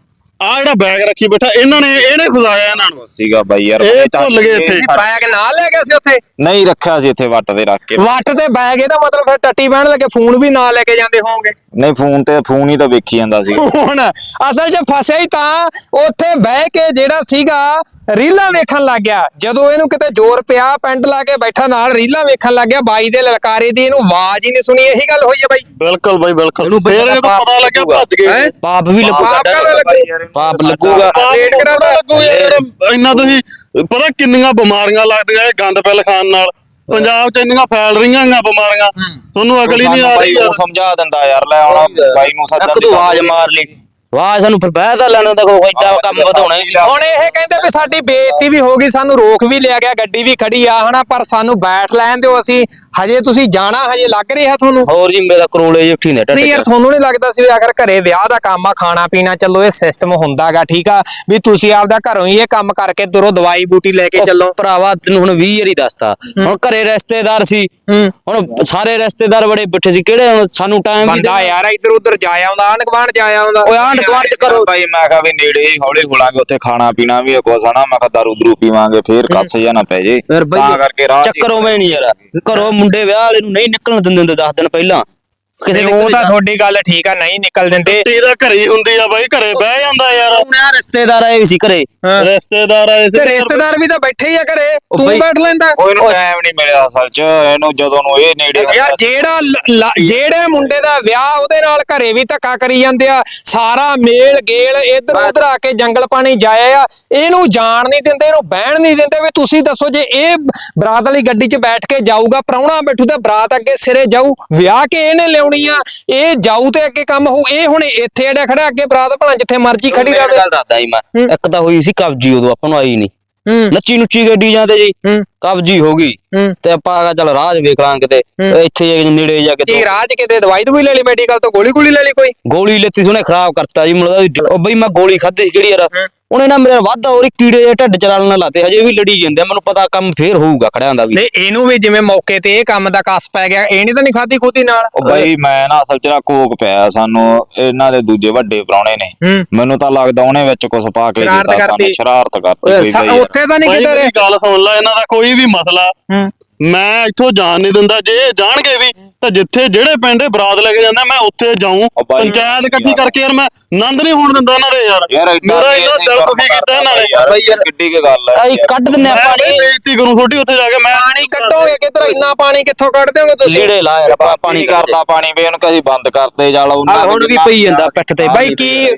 S3: ਆ ਜਿਹੜਾ ਬੈਗ ਰੱਖੀ ਬੈਠਾ ਇਹਨਾਂ ਨੇ ਇਹਨੇ ਫਸਾਇਆ ਇਹਨਾਂ ਨੂੰ
S4: ਸੀਗਾ ਬਾਈ ਯਾਰ
S3: ਇਹ
S4: ਉਹਨੇ ਚੱਕ
S3: ਭੁੱਲ ਗਏ
S4: ਕੇ
S3: ਇੱਥੇ।
S2: ਬੈਗ ਨਾਲ ਲੈ ਗਿਆ ਸੀ ਉੱਥੇ
S4: ਨਹੀਂ ਰੱਖਿਆ ਸੀ ਇੱਥੇ ਵੱਟ ਤੇ ਰੱਖ ਕੇ
S2: ਵੱਟ ਤੇ ਬੈਗ ਇਹਦਾ ਮਤਲਬ ਫਿਰ ਟੱਟੀ ਬਹਿਣ ਲੱਗੇ ਫੋਨ ਵੀ ਨਾਲ ਲੈ ਕੇ ਜਾਂਦੇ ਹੋਵੋਗੇ
S4: ਨਹੀਂ ਫੋਨ ਤੇ ਫੋਨ ਹੀ ਤਾਂ ਵੇਖੀ ਜਾਂਦਾ ਸੀ
S2: ਹੁਣ ਅਸਲ 'ਚ ਫਸਿਆ ਹੀ ਤਾਂ ਉੱਥੇ ਬਹਿ ਕੇ ਜਿਹੜਾ ਸੀਗਾ ਰੀਲਾਂ ਵੇਖਣ ਲੱਗ ਗਿਆ ਜਦੋਂ ਇਹਨੂੰ ਕਿਤੇ ਜ਼ੋਰ ਪਿਆ ਪੈਂਟ ਲਾ ਕੇ ਬੈਠਾ ਨਾਲ ਰੀਲਾਂ ਵੇਖਣ ਲੱਗ ਗਿਆ ਬਾਈ ਦੇ ਲਲਕਾਰੇ ਦੀ ਇਹਨੂੰ ਆਵਾਜ਼ ਹੀ ਨਹੀਂ ਸੁਣੀ ਇਹੀ ਗੱਲ ਹੋਈ ਹੈ ਬਾਈ
S3: ਬਿਲਕੁਲ ਬਾਈ ਬਿਲਕੁਲ
S5: ਇਹਨੂੰ
S3: ਫੇਰ
S5: ਪਤਾ
S3: ਜਦੋਂ ਪਤਾ ਲੱਗਿਆ ਭੱਜ ਗਏ
S2: ਹੈਂ?
S5: ਪਾਪ ਵੀ ਲੱਗੂ
S2: ਪਾਪ
S5: ਸਾਡਾ
S2: ਕਾਹਦਾ ਲੱਗੂ?
S5: ਪਾਪ ਲੱਗੂਗਾ
S3: ਪਾਪ
S2: ਰੇਟ
S3: ਨੂੰ
S2: ਕਰਾਉਂਦਾ।
S3: ਪਤਾ ਲੱਗੂ ਯਾਰ ਇੰਨਾ ਤੁਸੀਂ ਪਤਾ ਕਿੰਨੀਆਂ ਬਿਮਾਰੀਆਂ ਲੱਗਦੀਆਂ ਇਹ ਗੰਦ ਪਿਲ ਖਾਣ ਨਾਲ ਪੰਜਾਬ ਚ ਇੰਨੀਆਂ ਫੈਲ ਰਹੀਆਂ ਆਂ ਬਿਮਾਰੀਆਂ ਤੁਹਾਨੂੰ ਅਕਲ ਹੀ ਨਹੀਂ ਆ ਰਹੀ
S4: ਬਾਈ
S3: ਯਾਰ
S4: ਨੂੰ ਸਮਝਾ ਦਿੰਦਾ ਯਾਰ ਲੈ ਹੁਣ ਬਾਈ ਨੂੰ ਸੱਜਣ
S5: ਇੱਕ ਤੂੰ ਆਵਾਜ਼ ਮਾਰ ਲਈ ਆਵਾਜ਼ ਸਾਨੂੰ ਫਿਰ ਬਹਿ ਤਾਂ ਲੈਣਾ ਤਾਂ ਕੋਈ ਐਡਾ ਕੰਮ ਵਧਾਉਣਾ ਹੀ ਸੀ
S2: ਹੁਣ ਇਹ ਕਹਿੰਦੇ ਵੀ ਸਾਡੀ ਬੇਇੱਜ਼ਤੀ ਵੀ ਹੋ ਗਈ ਸਾਨੂੰ ਰੋਕ ਵੀ ਲਿਆ ਗਿਆ ਗੱਡੀ ਵੀ ਖੜੀ ਆ ਹਨਾ ਪਰ ਸਾਨੂੰ ਬੈਠ ਲੈਣ ਦਿਓ ਅਸੀਂ ਹਜੇ ਤੁਸੀਂ ਜਾਣਾ ਹਜੇ ਲੱਗ ਰਿਹਾ ਤੁਹਾਨੂੰ
S5: ਹੋਰ ਜੀ ਮੇਰਾ ਕਰੋਲੇ ਜਿਹੇ ਉੱਠੀ ਨੇ
S2: ਨਹੀਂ ਯਾਰ ਤੁਹਾਨੂੰ ਨਹੀਂ ਲੱਗਦਾ ਸੀ ਵੀ ਅਗਰ ਘਰੇ ਵਿਆਹ ਦਾ ਕੰਮ ਆ ਖਾਣਾ ਪੀਣਾ ਚੱਲੋ ਇਹ ਸਿਸਟਮ ਹੁੰਦਾਗਾ ਠੀਕ ਆ ਵੀ ਤੁਸੀਂ ਆਪਦਾ ਘਰੋਂ ਹੀ ਇਹ ਕੰਮ ਕਰਕੇ ਤੁਰੋ ਦਵਾਈ ਬੂਟੀ ਲੈ ਕੇ ਚੱਲੋ
S5: ਭਰਾਵਾ ਤੈਨੂੰ ਹੁਣ ਵੀਹ ਵਾਰੀ ਦੱਸਤਾ ਹੁਣ ਘਰੇ ਰਿਸ਼ਤੇਦਾਰ ਸੀ ਹੁਣ ਸਾਰੇ ਰਿਸ਼ਤੇਦਾਰ ਬੜੇ ਬਿਠੇ ਸੀ ਕਿਹੜੇ ਹੁਣ ਸਾਨੂੰ ਟਾਈਮ ਵੀ
S2: ਬੰਦਾ ਯਾਰ ਇੱਧਰ ਉੱਧਰ ਜਾ ਆਉਂਦਾ ਆਂਢ ਗੁਆਂਢ ਜਾ ਆਉਂਦਾ
S5: ਓਏ ਆਂਢ ਗੁਆਂਢ ਚ ਕਰੋ
S4: ਬਾਈ ਮੈਂ ਕਿਹਾ ਵੀ ਨੇੜੇ ਹੀ ਹੌਲੀ ਹੋਲਾਂਗੇ ਉੱਥੇ ਖਾਣਾ ਪੀਣਾ ਵੀ ਕੁਛ ਹਨਾ ਮੈਂ ਕਿਹਾ ਦਾਰੂ ਦਰੂ ਪੀਵਾਂਗੇ ਫੇਰ ਕੱਸ ਜਾਂ ਨਾ ਪੈ ਜੇ ਤਾਂ ਕਰਕੇ ਰਾਹ 'ਚ ਹੀ-
S5: ਚੱਕਰ ਉਵੇਂ ਨਹੀਂ ਯਾਰ ਘਰੋਂ ਮੁੰਡੇ ਵਿਆਹ ਵਾਲੇ ਨੂੰ ਨਹੀਂ ਨਿਕਲਣ ਦਿੰਦੇ ਹੁੰਦੇ ਦਸ ਦਿਨ ਪਹਿਲਾਂ ਕਿਸੇ ਦੇ
S2: ਉਹ
S5: ਘਰੇ
S2: ਤਾਂ
S5: ਜਾ-
S2: ਤੁਹਾਡੀ ਗੱਲ ਠੀਕ ਆ, ਨਹੀਂ ਨਿਕਲ ਦਿੰਦੇ।
S3: ਛੁੱਟੀ ਤਾਂ ਘਰੇ ਹੀ ਹੁੰਦੀ ਆ ਬਾਈ, ਘਰੇ ਬਹਿ ਜਾਂਦਾ ਯਾਰ।
S5: ਮੈਂ ਰਿਸ਼ਤੇਦਾਰ ਆਏ ਸੀ ਘਰੇ।
S3: ਰਿਸ਼ਤੇਦਾਰ ਆਏ ਸੀ
S2: ਤੇ ਰਿਸ਼ਤੇਦਾਰ ਵੀ ਤਾਂ ਬੈਠੇ ਹੀ ਆ ਘਰੇ, ਤੂੰ
S5: ਬਈ-
S2: ਬੈਠ ਲੈਂਦਾ।
S4: ਉਹ ਇਹਨੂੰ ਟਾਈਮ ਨਹੀਂ ਮਿਲਿਆ ਅਸਲ 'ਚ, ਇਹਨੂੰ ਜਦੋਂ ਨੂੰ ਇਹ ਨੇੜੇ ਹੁੰਦਾ
S2: ਯਾਰ
S4: ਸੀ।
S2: ਜਿਹੜਾ ਲ- ਲ- ਜਿਹੜੇ ਮੁੰਡੇ ਦਾ ਵਿਆਹ ਉਹਦੇ ਨਾਲ ਘਰੇ ਵੀ ਧੱਕਾ ਕਰੀ ਜਾਂਦੇ ਆ, ਸਾਰਾ ਮੇਲ ਗੇਲ ਇੱਧਰ ਉੱਧਰ ਆ ਕੇ ਜੰਗਲ ਪਾਣੀ ਜਾਇਆ ਆ, ਇਹਨੂੰ ਜਾਣ ਨਹੀਂ ਦਿੰਦੇ, ਇਹਨੂੰ ਬਹਿਣ ਨਹੀਂ ਦਿੰਦੇ। ਵੀ ਤੁਸੀਂ ਦੱਸੋ, ਜੇ ਇਹ ਬਰਾਤ ਵਾਲੀ ਗੱਡੀ 'ਚ ਬੈਠ ਕੇ ਜਾਊਗਾ, ਪ੍ਰਾਹੁਣਾ ਬੈਠੂ ਤਾਂ ਬਰਾਤ ਅੱਗੇ ਸਿਰੇ ਜਾਊ, ਵਿਆਹ ਕੇ ਇਹਨੇ ਲਿਆਉਣੀ ਆ, ਇਹ ਜਾਊ ਤੇ ਅੱਗੇ ਕੰਮ ਹੋਊ। ਇਹ ਹੁਣ ਇੱਥੇ ਅੜਿਆ ਖੜਾ, ਅੱਗੇ ਬਰਾਤ ਭਲਾ ਜਿੱਥੇ ਮਰਜ਼ੀ ਖੜੀ
S5: ਮੇਰੀ
S2: ਰਵੇ।
S5: ਗੱਲ ਦੱਸਦਾ ਜੀ ਮੈਂ, ਇੱਕ ਤਾਂ ਹੋਈ ਸੀ ਕਬਜੀ, ਉਦੋਂ ਆਪਾਂ ਨੂੰ ਆਈ ਨਹੀਂ,
S2: ਹੂੰ
S5: ਨੱਚੀ ਨੁੱਚੀ ਗੱਡੀ ਜਾਂਦੇ ਜੀ,
S2: ਹੂੰ
S5: ਕਬਜੀ ਹੋ ਗਈ
S2: ਹੂੰ
S5: ਤੇ ਆਪਾਂ ਆ ਚੱਲ ਰਾਜ ਵੇਖ ਲਾਂ ਕਿਤੇ, ਇੱਥੇ ਜਾ ਕੇ ਨੇੜੇ ਜਾ ਕੇ
S2: ਕੀ
S5: ਦੋ-
S2: ਰਾਜ ਕਿਤੇ ਦਵਾਈ ਦਵਾਈ ਲੈ ਲਈ ਮੈਡੀਕਲ ਤੋਂ, ਗੋਲੀ ਗੋਲੀ ਲੈ ਲਈ ਕੋਈ?
S5: ਗੋਲੀ ਲੈਤੀ ਸੀ ਉਹਨੇ, ਖਰਾਬ ਕਰਤਾ ਜੀ ਮੁੰਡਾ। ਉਹ ਬਈ ਮੈਂ ਗੋਲੀ ਖਾਧੀ ਸੀ ਜਿਹੜੀ ਯਾਰ, ਉਹਨੇ ਨਾ ਮੇਰੇ ਵਾਧਾ ਹੋਰ ਕੀੜੇ ਜਿਹੇ ਢਿੱਡ ਚ ਰਲਣ ਲਾਤੇ, ਹਜੇ ਵੀ ਲੜੀ ਜਾਂਦੇ ਆ। ਮੈਨੂੰ ਪਤਾ ਕੰਮ ਫੇਰ ਹੋਊਗਾ ਖੜਿਆਂ ਦਾ ਵੀ।
S2: ਨਹੀਂ ਇਹਨੂੰ ਵੀ ਜਿਵੇਂ ਮੌਕੇ ਤੇ ਇਹ ਕੰਮ ਦਾ ਕਸ ਪੈ ਗਿਆ, ਇਹਨੇ ਤਾਂ ਨਹੀਂ ਖਾਦੀ ਖੂਦੀ ਨਾਲ।
S4: ਉਹ ਬਾਈ ਮੈਂ ਨਾ ਅਸਲ 'ਚ ਨਾ ਕੋਕ ਪਿਆ ਸਾਨੂੰ, ਇਹਨਾਂ ਦੇ ਦੂਜੇ ਵੱਡੇ ਪ੍ਰਾਹੁਣੇ ਨੇ,
S2: ਹੂੰ
S4: ਮੈਨੂੰ ਤਾਂ ਲੱਗਦਾ ਉਹਨੇ ਵਿੱਚ ਕੁਝ ਪਾ ਕੇ
S2: ਸ਼ਰਾਰਤ
S4: ਦਿੱਤਾ
S2: ਕਰਤੀ।
S4: ਸਾਨੂੰ, ਸ਼ਰਾਰਤ ਕਰਤੀ ਕੋਈ
S2: ਸਾ-
S4: ਬਾਈ ਯਾਰ।
S2: ਉੱਥੇ ਤਾਂ ਨਹੀਂ
S3: ਬਾਈ
S2: ਕਿਤੇ
S3: ਮੇਰੀ
S2: ਰਹੇ।
S3: ਗੱਲ ਸੁਣ ਲੈ, ਇਹਨਾਂ ਦਾ ਕੋਈ ਵੀ ਮਸਲਾ
S2: ਹੂੰ
S3: ਮੈਂ ਇੱਥੋਂ ਜਾਣ ਨਹੀਂ ਦਿੰਦਾ। ਜੇ ਇਹ ਜਾਣਗੇ ਵੀ ਤਾਂ ਜਿੱਥੇ ਜਿਹੜੇ ਪਿੰਡ ਇਹ ਬਰਾਤ ਲੈ ਕੇ ਜਾਂਦਾ, ਮੈਂ ਉੱਥੇ ਜਾਊਂ।
S4: ਉਹ ਬਾਈ
S3: ਪੰਚਾਇਤ ਇਕੱਠੀ ਕਰਕੇ ਯਾਰ ਮੈਂ ਆਨੰਦ ਨਹੀਂ ਹੋਣ ਦਿੰਦਾ ਇਹਨਾਂ ਦੇ ਯਾਰ।
S4: ਯਾਰ ਏਦਾਂ
S3: ਮੇਰਾ
S4: ਨਹੀਂ
S3: ਇੰਨਾ
S4: ਅਸੀਂ
S3: ਦਿਲ
S4: ਕੰਮ
S3: ਦੁਖੀ ਕੀਤਾ ਇਹਨਾਂ ਨੇ।
S4: ਯਾਰ,
S5: ਬਾਈ ਯਾਰ,
S4: ਕਿੱਡੀ ਕੀ ਗੱਲ ਹੈ
S5: ਆਈ ਕੱਢ ਦਿੰਨੇ ਆ
S3: ਮੈਂ
S5: ਪਾਣੀ,
S3: ਬੇਇੱਜ਼ਤੀ ਕਰੂੰ ਤੁਹਾਡੀ ਉੱਥੇ ਜਾ ਕੇ। ਮੈਂ
S2: ਪਾਣੀ ਕੱਢੋਗੇ ਕਿੱਧਰ? ਇੰਨਾ ਪਾਣੀ ਕਿੱਥੋਂ ਕੱਢ ਦਿਓਗੇ ਤੁਸੀਂ?
S5: ਲੀੜੇ ਲਾ ਯਾਰ, ਆਪਾਂ
S4: ਪਾਣੀ
S5: ਪਾਣੀ
S4: ਕਰਦਾ ਪਾਣੀ ਵੀ ਉਹਨੂੰ ਕਦੀ ਬੰਦ ਕਰਦੇ ਜਾਲ ਉਹਨਾਂ
S5: ਆਹ ਹੁਣ ਵੀ ਪਈ ਜਾਂਦਾ ਪਿੱਠ ਤੇ।
S2: ਬਾਈ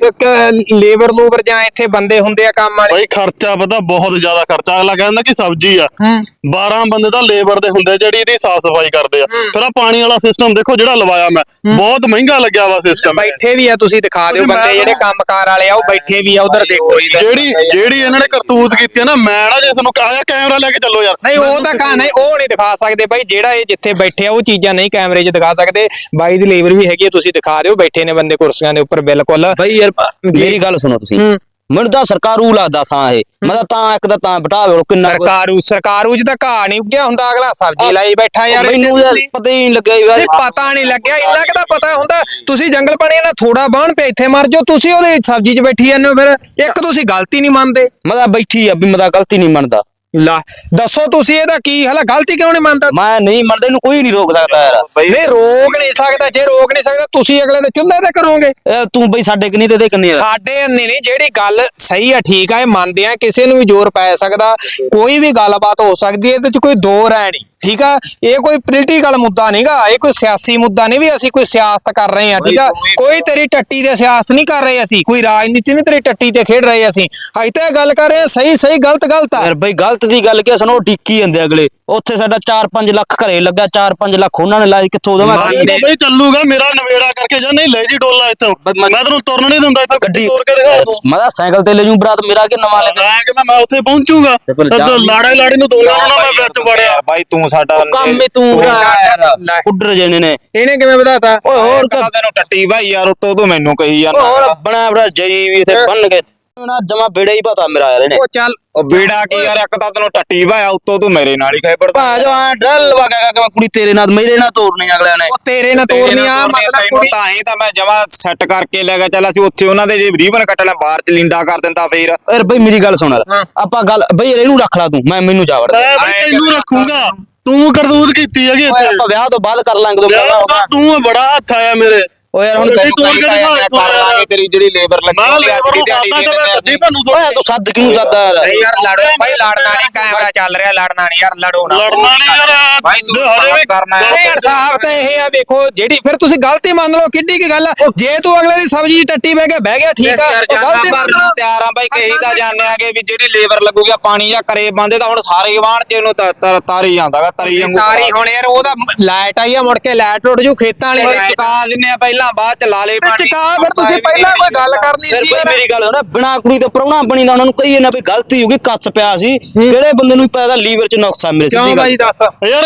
S2: ਕੀ ਲੇਬਰ ਲੂਬਰ ਜਾਂ ਇੱਥੇ ਬੰਦੇ ਹੁੰਦੇ ਆ ਕੰਮ ਵਾਲੇ?
S3: ਬਾਈ ਖਰਚਾ ਪਤਾ ਬਹੁਤ ਜ਼ਿਆਦਾ ਖਰਚਾ। ਅਗਲਾ ਕਹਿੰਦਾ ਕਿ ਸਬਜ਼ੀ ਆ, ਬਾਰਾਂ ਬੰਦੇ ਤਾਂ ਲੇਬਰ ਦੇ ਹੁੰਦੇ ਜਿਹੜੀ ਇਹਦੀ ਸਾਫ਼ ਸਫਾਈ ਕਰਦੇ ਆ। ਫਿਰ ਆ ਪਾਣੀ ਵਾਲਾ ਸਿਸਟਮ ਦੇਖੋ ਜਿਹੜਾ ਲਵਾਇਆ ਮੈਂ, ਬਹੁਤ ਮਹਿੰਗਾ ਲੱਗਿਆ ਵਾ ਸਿਸਟਮ।
S2: ਬੈਠੇ ਵੀ ਆ, ਤੁਸੀਂ ਦਿਖਾ ਦਿਓ ਬੰਦੇ ਜਿਹੜੇ ਕੰਮਕਾਰ ਵਾਲੇ ਆ, ਉਹ ਬੈਠੇ ਵੀ ਆ ਉਧਰ ਦੇਖੋ।
S3: ਜਿਹੜੀ ਜਿਹੜੀ ਇਹਨਾਂ ਨੇ ਕਰਤੂਤ ਕੀਤੀ ਆ ਨਾ, ਮੈਂ ਨਾ ਜੇ ਤੁਹਾਨੂੰ ਕਹਾਇਆ ਕੈਮਰਾ ਲੈ ਕੇ ਚੱਲੋ ਯਾਰ।
S2: ਨਹੀਂ ਉਹ ਤਾਂ ਕਹਾਂ ਨਹੀਂ, ਉਹ ਨਹੀਂ ਦਿਖਾ ਸਕਦੇ ਬਾਈ। ਜਿਹੜਾ ਇਹ ਜਿੱਥੇ ਬੈਠੇ ਆ ਉਹ ਚੀਜ਼ਾਂ ਨਹੀਂ ਕੈਮਰੇ 'ਚ ਦਿਖਾ ਸਕਦੇ। ਬਾਈ ਦੀ ਲੇਬਰ ਵੀ ਹੈਗੀ ਆ, ਤੁਸੀਂ ਦਿਖਾ ਦਿਓ। ਬੈਠੇ ਨੇ ਬੰਦੇ ਕੁਰਸੀਆਂ ਦੇ ਉੱਪਰ, ਬਿਲਕੁਲ।
S5: ਬਈ ਯਾਰ ਮੇਰੀ ਗੱਲ ਸੁਣੋ ਤੁਸੀਂ, ਮੈਨੂੰ ਤਾਂ ਸਰਕਾਰੂ ਲੱਗਦਾ ਥਾਂ ਇਹ, ਮੈਂ ਤਾਂ ਤਾਂ ਇੱਕ ਦਾ ਤਾਂ ਬਿਠਾਵੇ ਕਿੰਨਾ ਕੁ-
S2: ਸਰਕਾਰੂ ਸਰਕਾਰੂ 'ਚ ਤਾਂ ਘਾਹ ਨਹੀਂ ਉੱਗਿਆ ਹੁੰਦਾ, ਅਗਲਾ ਸਬਜ਼ੀ ਲਾਈ ਬੈਠਾ ਯਾਰ।
S5: ਮੈਨੂੰ ਯਾਰ ਪਤਾ ਹੀ ਨਹੀਂ ਲੱਗਿਆ ਯਾਰ।
S2: ਨਹੀਂ ਪਤਾ ਨਹੀਂ ਲੱਗਿਆ, ਇੰਨਾ ਕਿ ਤਾਂ ਪਤਾ ਹੁੰਦਾ। ਤੁਸੀਂ ਜੰਗਲ ਪਾਣੀ ਨਾਲ ਥੋੜਾ ਬਾਣ ਪਿਆ, ਇੱਥੇ ਮਰ ਜਾਓ। ਤੁਸੀਂ ਉਹਦੇ ਸਬਜ਼ੀ 'ਚ ਬੈਠੀ ਜਾਂਦੇ ਹੋ। ਫਿਰ ਇੱਕ ਤੁਸੀਂ ਗਲਤੀ ਨਹੀਂ ਮੰਨਦੇ।
S5: ਮੈਂ ਤਾਂ ਬੈਠੀ ਆ ਵੀ ਮੈਂ ਤਾਂ ਗਲਤੀ ਨਹੀਂ ਮੰਨਦਾ।
S2: ਲਾ ਦੱਸੋ ਤੁਸੀਂ ਇਹਦਾ ਕੀ ਹਾਲ? ਗਲਤੀ ਕਿਉਂ ਨਹੀਂ ਮੰਨਦਾ?
S5: ਮੈਂ ਨਹੀਂ ਮੰਨਦਾ, ਇਹਨੂੰ ਕੋਈ ਨਹੀਂ ਰੋਕ ਸਕਦਾ ਯਾਰ।
S2: ਨਹੀਂ ਰੋਕ ਨਹੀਂ ਸਕਦਾ। ਜੇ ਰੋਕ ਨਹੀਂ ਸਕਦਾ, ਤੁਸੀਂ ਅਗਲੇ ਦੇ ਚੁੱਲ੍ਹੇ ਤੇ ਕਰੋਗੇ।
S5: ਇਹ ਤੂੰ ਬਈ ਸਾਡੇ ਕਿ ਨਹੀਂ ਤੇ ਦੇ ਕਿੰਨੇ ਆ?
S2: ਸਾਡੇ ਅੰਨੇ ਨਹੀਂ, ਜਿਹੜੀ ਗੱਲ ਸਹੀ ਆ, ਠੀਕ ਆ, ਇਹ ਮੰਨਦੇ ਆ। ਕਿਸੇ ਨੂੰ ਵੀ ਜ਼ੋਰ ਪੈ ਸਕਦਾ, ਕੋਈ ਵੀ ਗੱਲਬਾਤ ਹੋ ਸਕਦੀ ਹੈ, ਇਹਦੇ 'ਚ ਕੋਈ ਦੋ ਰਾਏ ਨਹੀਂ। ਠੀਕ ਆ, ਇਹ ਕੋਈ ਪੋਲੀਟੀਕਲ ਮੁੱਦਾ ਨਹੀਂਗਾ, ਇਹ ਕੋਈ ਸਿਆਸੀ ਮੁੱਦਾ ਨਹੀਂ ਵੀ ਅਸੀਂ ਕੋਈ ਸਿਆਸਤ ਕਰ ਰਹੇ ਆ। ਠੀਕ ਆ, ਕੋਈ ਤੇਰੀ ਟੱਟੀ ਦੇ ਸਿਆਸਤ ਨਹੀਂ ਕਰ ਰਹੇ ਅਸੀਂ, ਕੋਈ ਰਾਜਨੀਤੀ ਨਹੀਂ ਤੇਰੀ ਟੱਟੀ ਤੇ ਖੇਡ ਰਹੇ ਅਸੀਂ। ਅੱਜ ਤਾਂ ਇਹ ਗੱਲ ਕਰ ਰਹੇ ਆ, ਸਹੀ ਸਹੀ ਗਲਤ ਗਲਤ ਆ।
S5: ਯਾਰ ਬਈ ਗਲਤ ਦੀ ਗੱਲ ਕੀ ਸੁਣੋ, ਡਿੱਕੀ ਜਾਂਦੇ ਅਗਲੇ। ਉੱਥੇ ਸਾਡਾ ਚਾਰ ਪੰਜ ਲੱਖ ਘਰੇ ਲੱਗਾ, ਚਾਰ ਪੰਜ ਲੱਖ ਉਹਨਾਂ ਨੇ ਲਾਇਆ, ਕਿੱਥੋਂ ਦੇਵਾਂ?
S2: ਮੰਨਦੇ-
S3: ਬਈ ਚੱਲੂਗਾ ਮੇਰਾ ਨਵੇੜਾ ਕਰਕੇ ਜਾਂ ਨਹੀਂ ਲੈ ਜੀ ਡੋਲਾ ਇੱਥੋਂ। ਮੈਂ ਤੈਨੂੰ ਤੁਰਨ ਨਹੀਂ ਦਿੰਦਾ ਇੱਥੋਂ, ਗੱਡੀ ਤੋਰ ਕੇ ਦਿਖਾ ਤੂੰ।
S5: ਮੈਂ ਤਾਂ ਸਾਈਕਲ ਤੇ ਲੈ ਜੂ ਬਰਾਤ, ਮੇਰਾ ਕਿ ਨਵਾਂ ਲੈ ਕੇ
S3: ਮੈਂ ਕਿ ਮੈਂ ਉੱਥੇ ਪਹੁੰਚੂਗਾ
S5: ਫਿਰ ਜਾ-
S3: ਤੇ ਲਾੜੇ ਲਾੜੇ ਨੂੰ ਦੋਨਾਂ ਨੂੰ ਨਾ ਮੈਂ ਵਿੱਚ ਵੜਿਆ।
S4: ਬਾਈ ਤੂੰ ਸਾਡਾ
S5: ਕੰਮ ਹੀ ਤੂੰ
S2: ਲੈ।
S5: ਉੱਡਰ ਜਣੇ ਨੇ।
S2: ਇਹਨੇ ਕਿਵੇਂ ਵਧਾਤਾ?
S5: ਓਏ ਹੋਰ
S4: ਤਾਂ ਤੈਨੂੰ ਟੱਟੀ ਬਾਈ ਯਾਰ, ਉੱਤੋਂ ਤੂੰ ਮੈਨੂੰ ਕਹੀ
S5: ਹੋਰ
S4: ਜਾਂਦਾ।
S5: ਬਣਾ ਬਣਾ ਜਈ ਵੀ ਇੱਥੇ ਬੰਨ ਕੇ ਨਾ ਜਮਾ ਬੇੜਾ ਹੀ ਪਤਾ ਮੇਰਾ ਯਾਰ ਇਹਨੇ।
S2: ਉਹ ਚੱਲ
S4: ਉਹ ਬੇੜਾ ਕੀ ਯਾਰ, ਇੱਕ ਤਾਂ ਤੈਨੂੰ ਟੱਟੀ ਭਾਇਆ, ਉੱਤੋਂ ਤੂੰ ਮੇਰੇ ਨਾਲ ਹੀ ਖੇਪੜਦਾ।
S5: ਭਾ ਜੋ ਆ ਡਲ ਵਗਾ ਕੇ ਕੁੜੀ ਤੇਰੇ ਨਾਲ ਮੇਰੇ ਨਾਲ ਤੋਰਨੀ ਅਗਲਿਆਂ ਨੇ।
S2: ਉਹ ਤੇਰੇ ਨਾਲ ਤੋਰਨੀ ਆ, ਮਤਲਬ
S4: ਤੈਨੂੰ
S2: ਕੁੜੀ
S4: ਤਾਂ ਹੀ ਤਾਂ ਮੈਂ ਜਮਾ ਸੈੱਟ ਕਰਕੇ ਲੈ ਗਿਆ। ਚੱਲ ਅਸੀਂ ਉੱਥੇ ਉਹਨਾਂ ਦੇ ਜੇ ਰੀਬਨ ਕੱਟਣਾ, ਬਾਹਰ ਚ ਲਿੰਡਾ ਕਰ ਦਿੰਦਾ ਫੇਰ।
S5: ਯਾਰ ਬਈ ਮੇਰੀ ਗੱਲ ਸੁਣ, ਆਪਾਂ ਗੱਲ ਬਈ ਯਾਰ ਇਹਨੂੰ ਰੱਖ ਲਾ ਤੂੰ, ਮੈਂ ਮੈਨੂੰ ਜਾ ਵੜ।
S3: ਮੈਂ ਬਈ ਤੈਨੂੰ ਰੱਖੂਗਾ, ਤੂੰ ਕਰਤੂਤ ਕੀਤੀ ਹੈਗੀ
S5: ਓਏ
S3: ਇੱਥੇ।
S5: ਆਪਾਂ ਵਿਆਹ ਤੋਂ ਬਾਅਦ ਕਰ ਲਾਂਗੇ ਦੋ
S3: ਯਾਰ
S5: ਪਹਿਲਾਂ
S3: ਉਹਦਾ ਤੂੰ ਬੜਾ ਹੱਥ ਆਇਆ ਮੇਰੇ।
S5: ਓ ਯਾਰ ਹੁਣ
S3: ਗੱਡੀ
S5: ਤੈਨੂੰ
S3: ਤੋੜ
S4: ਕਈ
S3: ਕੇ
S4: ਤਾਂ
S3: ਦਿਖਾ
S4: ਯਾਰ
S3: ਤੂੰ
S4: ਕਰ ਲਾਂਗੇ, ਤੇਰੀ ਜਿਹੜੀ ਲੇਬਰ ਲੱਗੀ
S3: ਮੈਂ
S4: ਹੁੰਦੀ ਆ,
S3: ਲੇਬਰ
S4: ਅੱਜ ਦੀ
S3: ਨੂੰ
S4: ਦਿਹਾੜੀ
S3: ਸਾਦਾ
S4: ਦੇ
S3: ਤਾਂ ਮੈਂ
S4: ਦਿੰਦੇ
S3: ਗੱਡੀ
S4: ਅਸੀਂ।
S3: ਤੁਹਾਨੂੰ
S5: ਓਏ ਤੂੰ ਸੱਦ ਕਿਉਂ ਸੱਦਾ ਯਾਰ?
S2: ਨਹੀਂ ਯਾਰ ਲੜੋ ਭਾਈ, ਲੜਨਾ ਨਹੀਂ, ਕੈਮਰਾ ਚੱਲ ਰਿਹਾ, ਲੜਨਾ ਨਹੀਂ ਯਾਰ, ਲੜੋ ਨਾ।
S3: ਲੜਨਾ ਨਹੀਂ ਯਾਰ।
S4: ਭਾਈ ਤੂੰ
S3: ਹਜੇ ਵੀ
S4: ਕਰਨਾ ਹੈ।
S2: ਨਹੀਂ ਇਨਸਾਫ ਤਾਂ ਇਹ ਆ, ਵੇਖੋ ਜਿਹੜੀ ਫਿਰ ਤੁਸੀਂ ਗਲਤੀ ਮੰਨ ਲਓ, ਕਿੱਡੀ ਕੀ ਗੱਲ ਆ। ਜੇ ਤੂੰ ਅਗਲੇ ਦੀ ਸਬਜ਼ੀ 'ਚ ਟੱਟੀ ਬਹਿ ਕੇ ਬਹਿ ਗਿਆ, ਠੀਕ ਆ,
S4: ਯਾਰ
S2: ਉਹ
S4: ਜਾਨਾ
S2: ਗਲਤੀ ਮੰਨ
S4: ਭਰਨ
S2: ਲਓ।
S4: ਨੂੰ ਤਿਆਰ ਆ ਬਾਈ, ਕਹੀ ਤਾਂ ਜਾਣਦੇ ਆਗੇ ਵੀ ਜਿਹੜੀ ਲੇਬਰ ਲੱਗੂਗੀ ਪਾਣੀ ਜਾਂ ਕਰੇ ਬੰਦੇ ਤਾਂ ਹੁਣ ਸਾਰੇ ਵਾਹਣ ਚ ਇਹਨੂੰ ਤ- ਤ- ਤਾਰੀ ਜਾਂਦਾਗਾ, ਤਰੀ ਵਾਂਗੂ।
S2: ਤਾਰੀ ਹੁਣ ਯਾਰ ਉਹਦਾ ਲਾਈਟ ਆਈ ਆ, ਮੁੜ ਕੇ ਲਾਈਟ ਉੱਡ ਜੂ ਖੇਤਾਂ ਵਾਲੀ
S4: ਓਏ
S2: ਲਾਈਟ।
S4: ਚੁਕਾ ਦਿੰਨੇ ਆ ਪਹਿਲਾਂ, ਬਾਅਦ ਚ ਲਾ ਲੇ ਪਾਣੀ।
S2: ਚੁਕਾ ਫਿਰ ਤੁਸੀਂ ਪਹਿਲਾਂ ਕੋਈ ਗੱਲ ਕਰਨੀ
S5: ਫਿਰ
S2: ਸੀ
S5: ਬਈ
S2: ਯਾਰ।
S5: ਮੇਰੀ ਗੱਲ ਸੁਣ, ਬਿਨਾ ਕੁੜੀ ਤੋਂ ਪ੍ਰਾਹੁਣਾ ਬਣੀ ਦਾ ਉਹਨਾਂ ਨੂੰ ਕਹੀਏ ਨਾ ਵੀ ਗਲਤੀ ਹੋ ਗਈ, ਕੱਚ ਪਿਆ ਸੀ। ਕਿਹੜੇ ਬੰਦੇ ਨੂੰ ਪਤਾ ਲੀਵਰ ਚ ਨੁਕਸਾ ਮੇਰੇ
S2: ਕਿਉਂ
S5: ਸਿੱਧੀ
S2: ਬਾਈ
S5: ਗੱਲ।
S2: ਦੱਸ?
S3: ਯਾਰ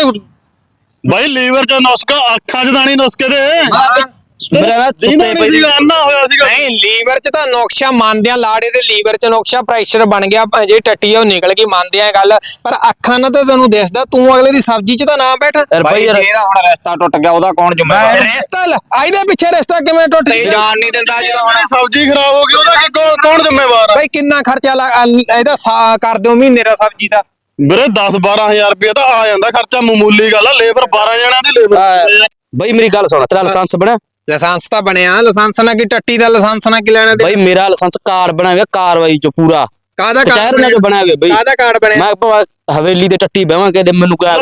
S3: ਬਾਈ ਲੀਵਰ ਚ ਨੁਸਖਾ, ਅੱਖਾਂ ਚ ਦਾਣੀ ਨੁਸਖੇ ਦੇ।
S5: ਮੇਰਾ ਨਾ
S3: ਜਿਹਨਾਂ
S5: ਸੁੱਤੇ
S3: ਨੇ
S5: ਪਈ
S3: ਸੀਗਾ ਅੰਨਾ ਹੋਇਆ ਸੀਗਾ।
S2: ਨਹੀਂ ਲੀਵਰ 'ਚ ਤਾਂ ਨੁਕਸ਼ਾ ਮੰਨਦੇ ਆ, ਲਾੜੇ ਦੇ ਲੀਵਰ 'ਚ ਨੁਕਸ਼ਾ, ਪ੍ਰੈਸ਼ਰ ਬਣ ਗਿਆ, ਜੇ ਟੱਟੀ ਆ ਉਹ ਨਿਕਲ ਗਈ, ਮੰਨਦੇ ਆ ਗੱਲ। ਪਰ ਅੱਖਾਂ ਨਾਲ ਤਾਂ ਤੈਨੂੰ ਦਿਸਦਾ, ਤੂੰ ਅਗਲੇ ਦੀ ਸਬਜ਼ੀ 'ਚ ਤਾਂ ਨਾ ਬੈਠ।
S5: ਯਾਰ
S4: ਬਾਈ
S5: ਬਈ ਯਾਰ
S4: ਇਹਦਾ ਹੁਣ ਰਿਸ਼ਤਾ ਟੁੱਟ ਗਿਆ, ਉਹਦਾ ਕੌਣ ਜ਼ਿੰਮੇਵਾਰ?
S2: ਰਿਸ਼ਤਾ ਇਹਦੇ ਪਿੱਛੇ ਰਿਸ਼ਤਾ ਕਿਵੇਂ ਟੁੱਟ
S4: ਤੇ
S2: ਗਿਆ?
S4: ਜਾਣ ਨਹੀਂ ਦਿੰਦਾ ਜਦੋਂ ਹੁਣ।
S3: ਸਬਜ਼ੀ ਖਰਾਬ ਹੋ ਗਈ, ਉਹਦਾ ਕੀ ਕੌਣ- ਕੌਣ ਜ਼ਿੰਮੇਵਾਰ ਆ?
S2: ਬਾਈ ਕਿੰਨਾ ਖਰਚਾ ਲਾ- ਅ- ਇਹਦਾ ਸਾ ਕਰ ਦਿਓ ਮਹੀਨੇ ਦਾ ਸਬਜ਼ੀ ਦਾ?
S3: ਵੀਰੇ ਦਸ ਬਾਰਾਂ ਹਜ਼ਾਰ ਰੁਪਏ ਤਾਂ ਆ ਜਾਂਦਾ ਖਰਚਾ, ਮਾਮੂਲੀ ਗੱਲ ਆ। ਲੇਬਰ ਬਾਰਾਂ ਜਣਿਆਂ ਦੀ ਲੇਬਰ।
S5: ਬਈ ਮੇਰੀ ਗੱਲ ਸੁਣ, ਤੇਰਾ ਲਾਇਸੈਂਸ ਬਣਿਆ?
S2: ਲਾਇਸੈਂਸ ਤਾਂ ਬਣਿਆ, ਲਾਇਸੈਂਸ ਨਾਲ ਕੀ ਟੱਟੀ ਦਾ ਲਾਇਸੈਂਸ ਨਾਲ ਕੀ ਲੈਣਾ ਦੇ?
S5: ਬਈ ਮੇਰਾ ਲਾਇਸੈਂਸ ਕਾਰ ਬਣਿਆ ਹੋਇਆ, ਕਾਰਵਾਈ ਚ ਪੂਰਾ
S2: ਕਾਹਦਾ
S5: ਕਚਹਿਰ ਨਾਲ ਬਣਿਆ ਹੋਇਆ ਬਈ।
S2: ਕਾਹਦਾ ਕਾਰਡ ਬਣਿਆ?
S5: ਮੈਂ ਭਾਵੇਂ ਹਵੇਲੀ ਤੇ ਟੱਟੀ ਬਹਿਵਾਂ ਕਿ ਮੈਨੂੰ ਕਿਆ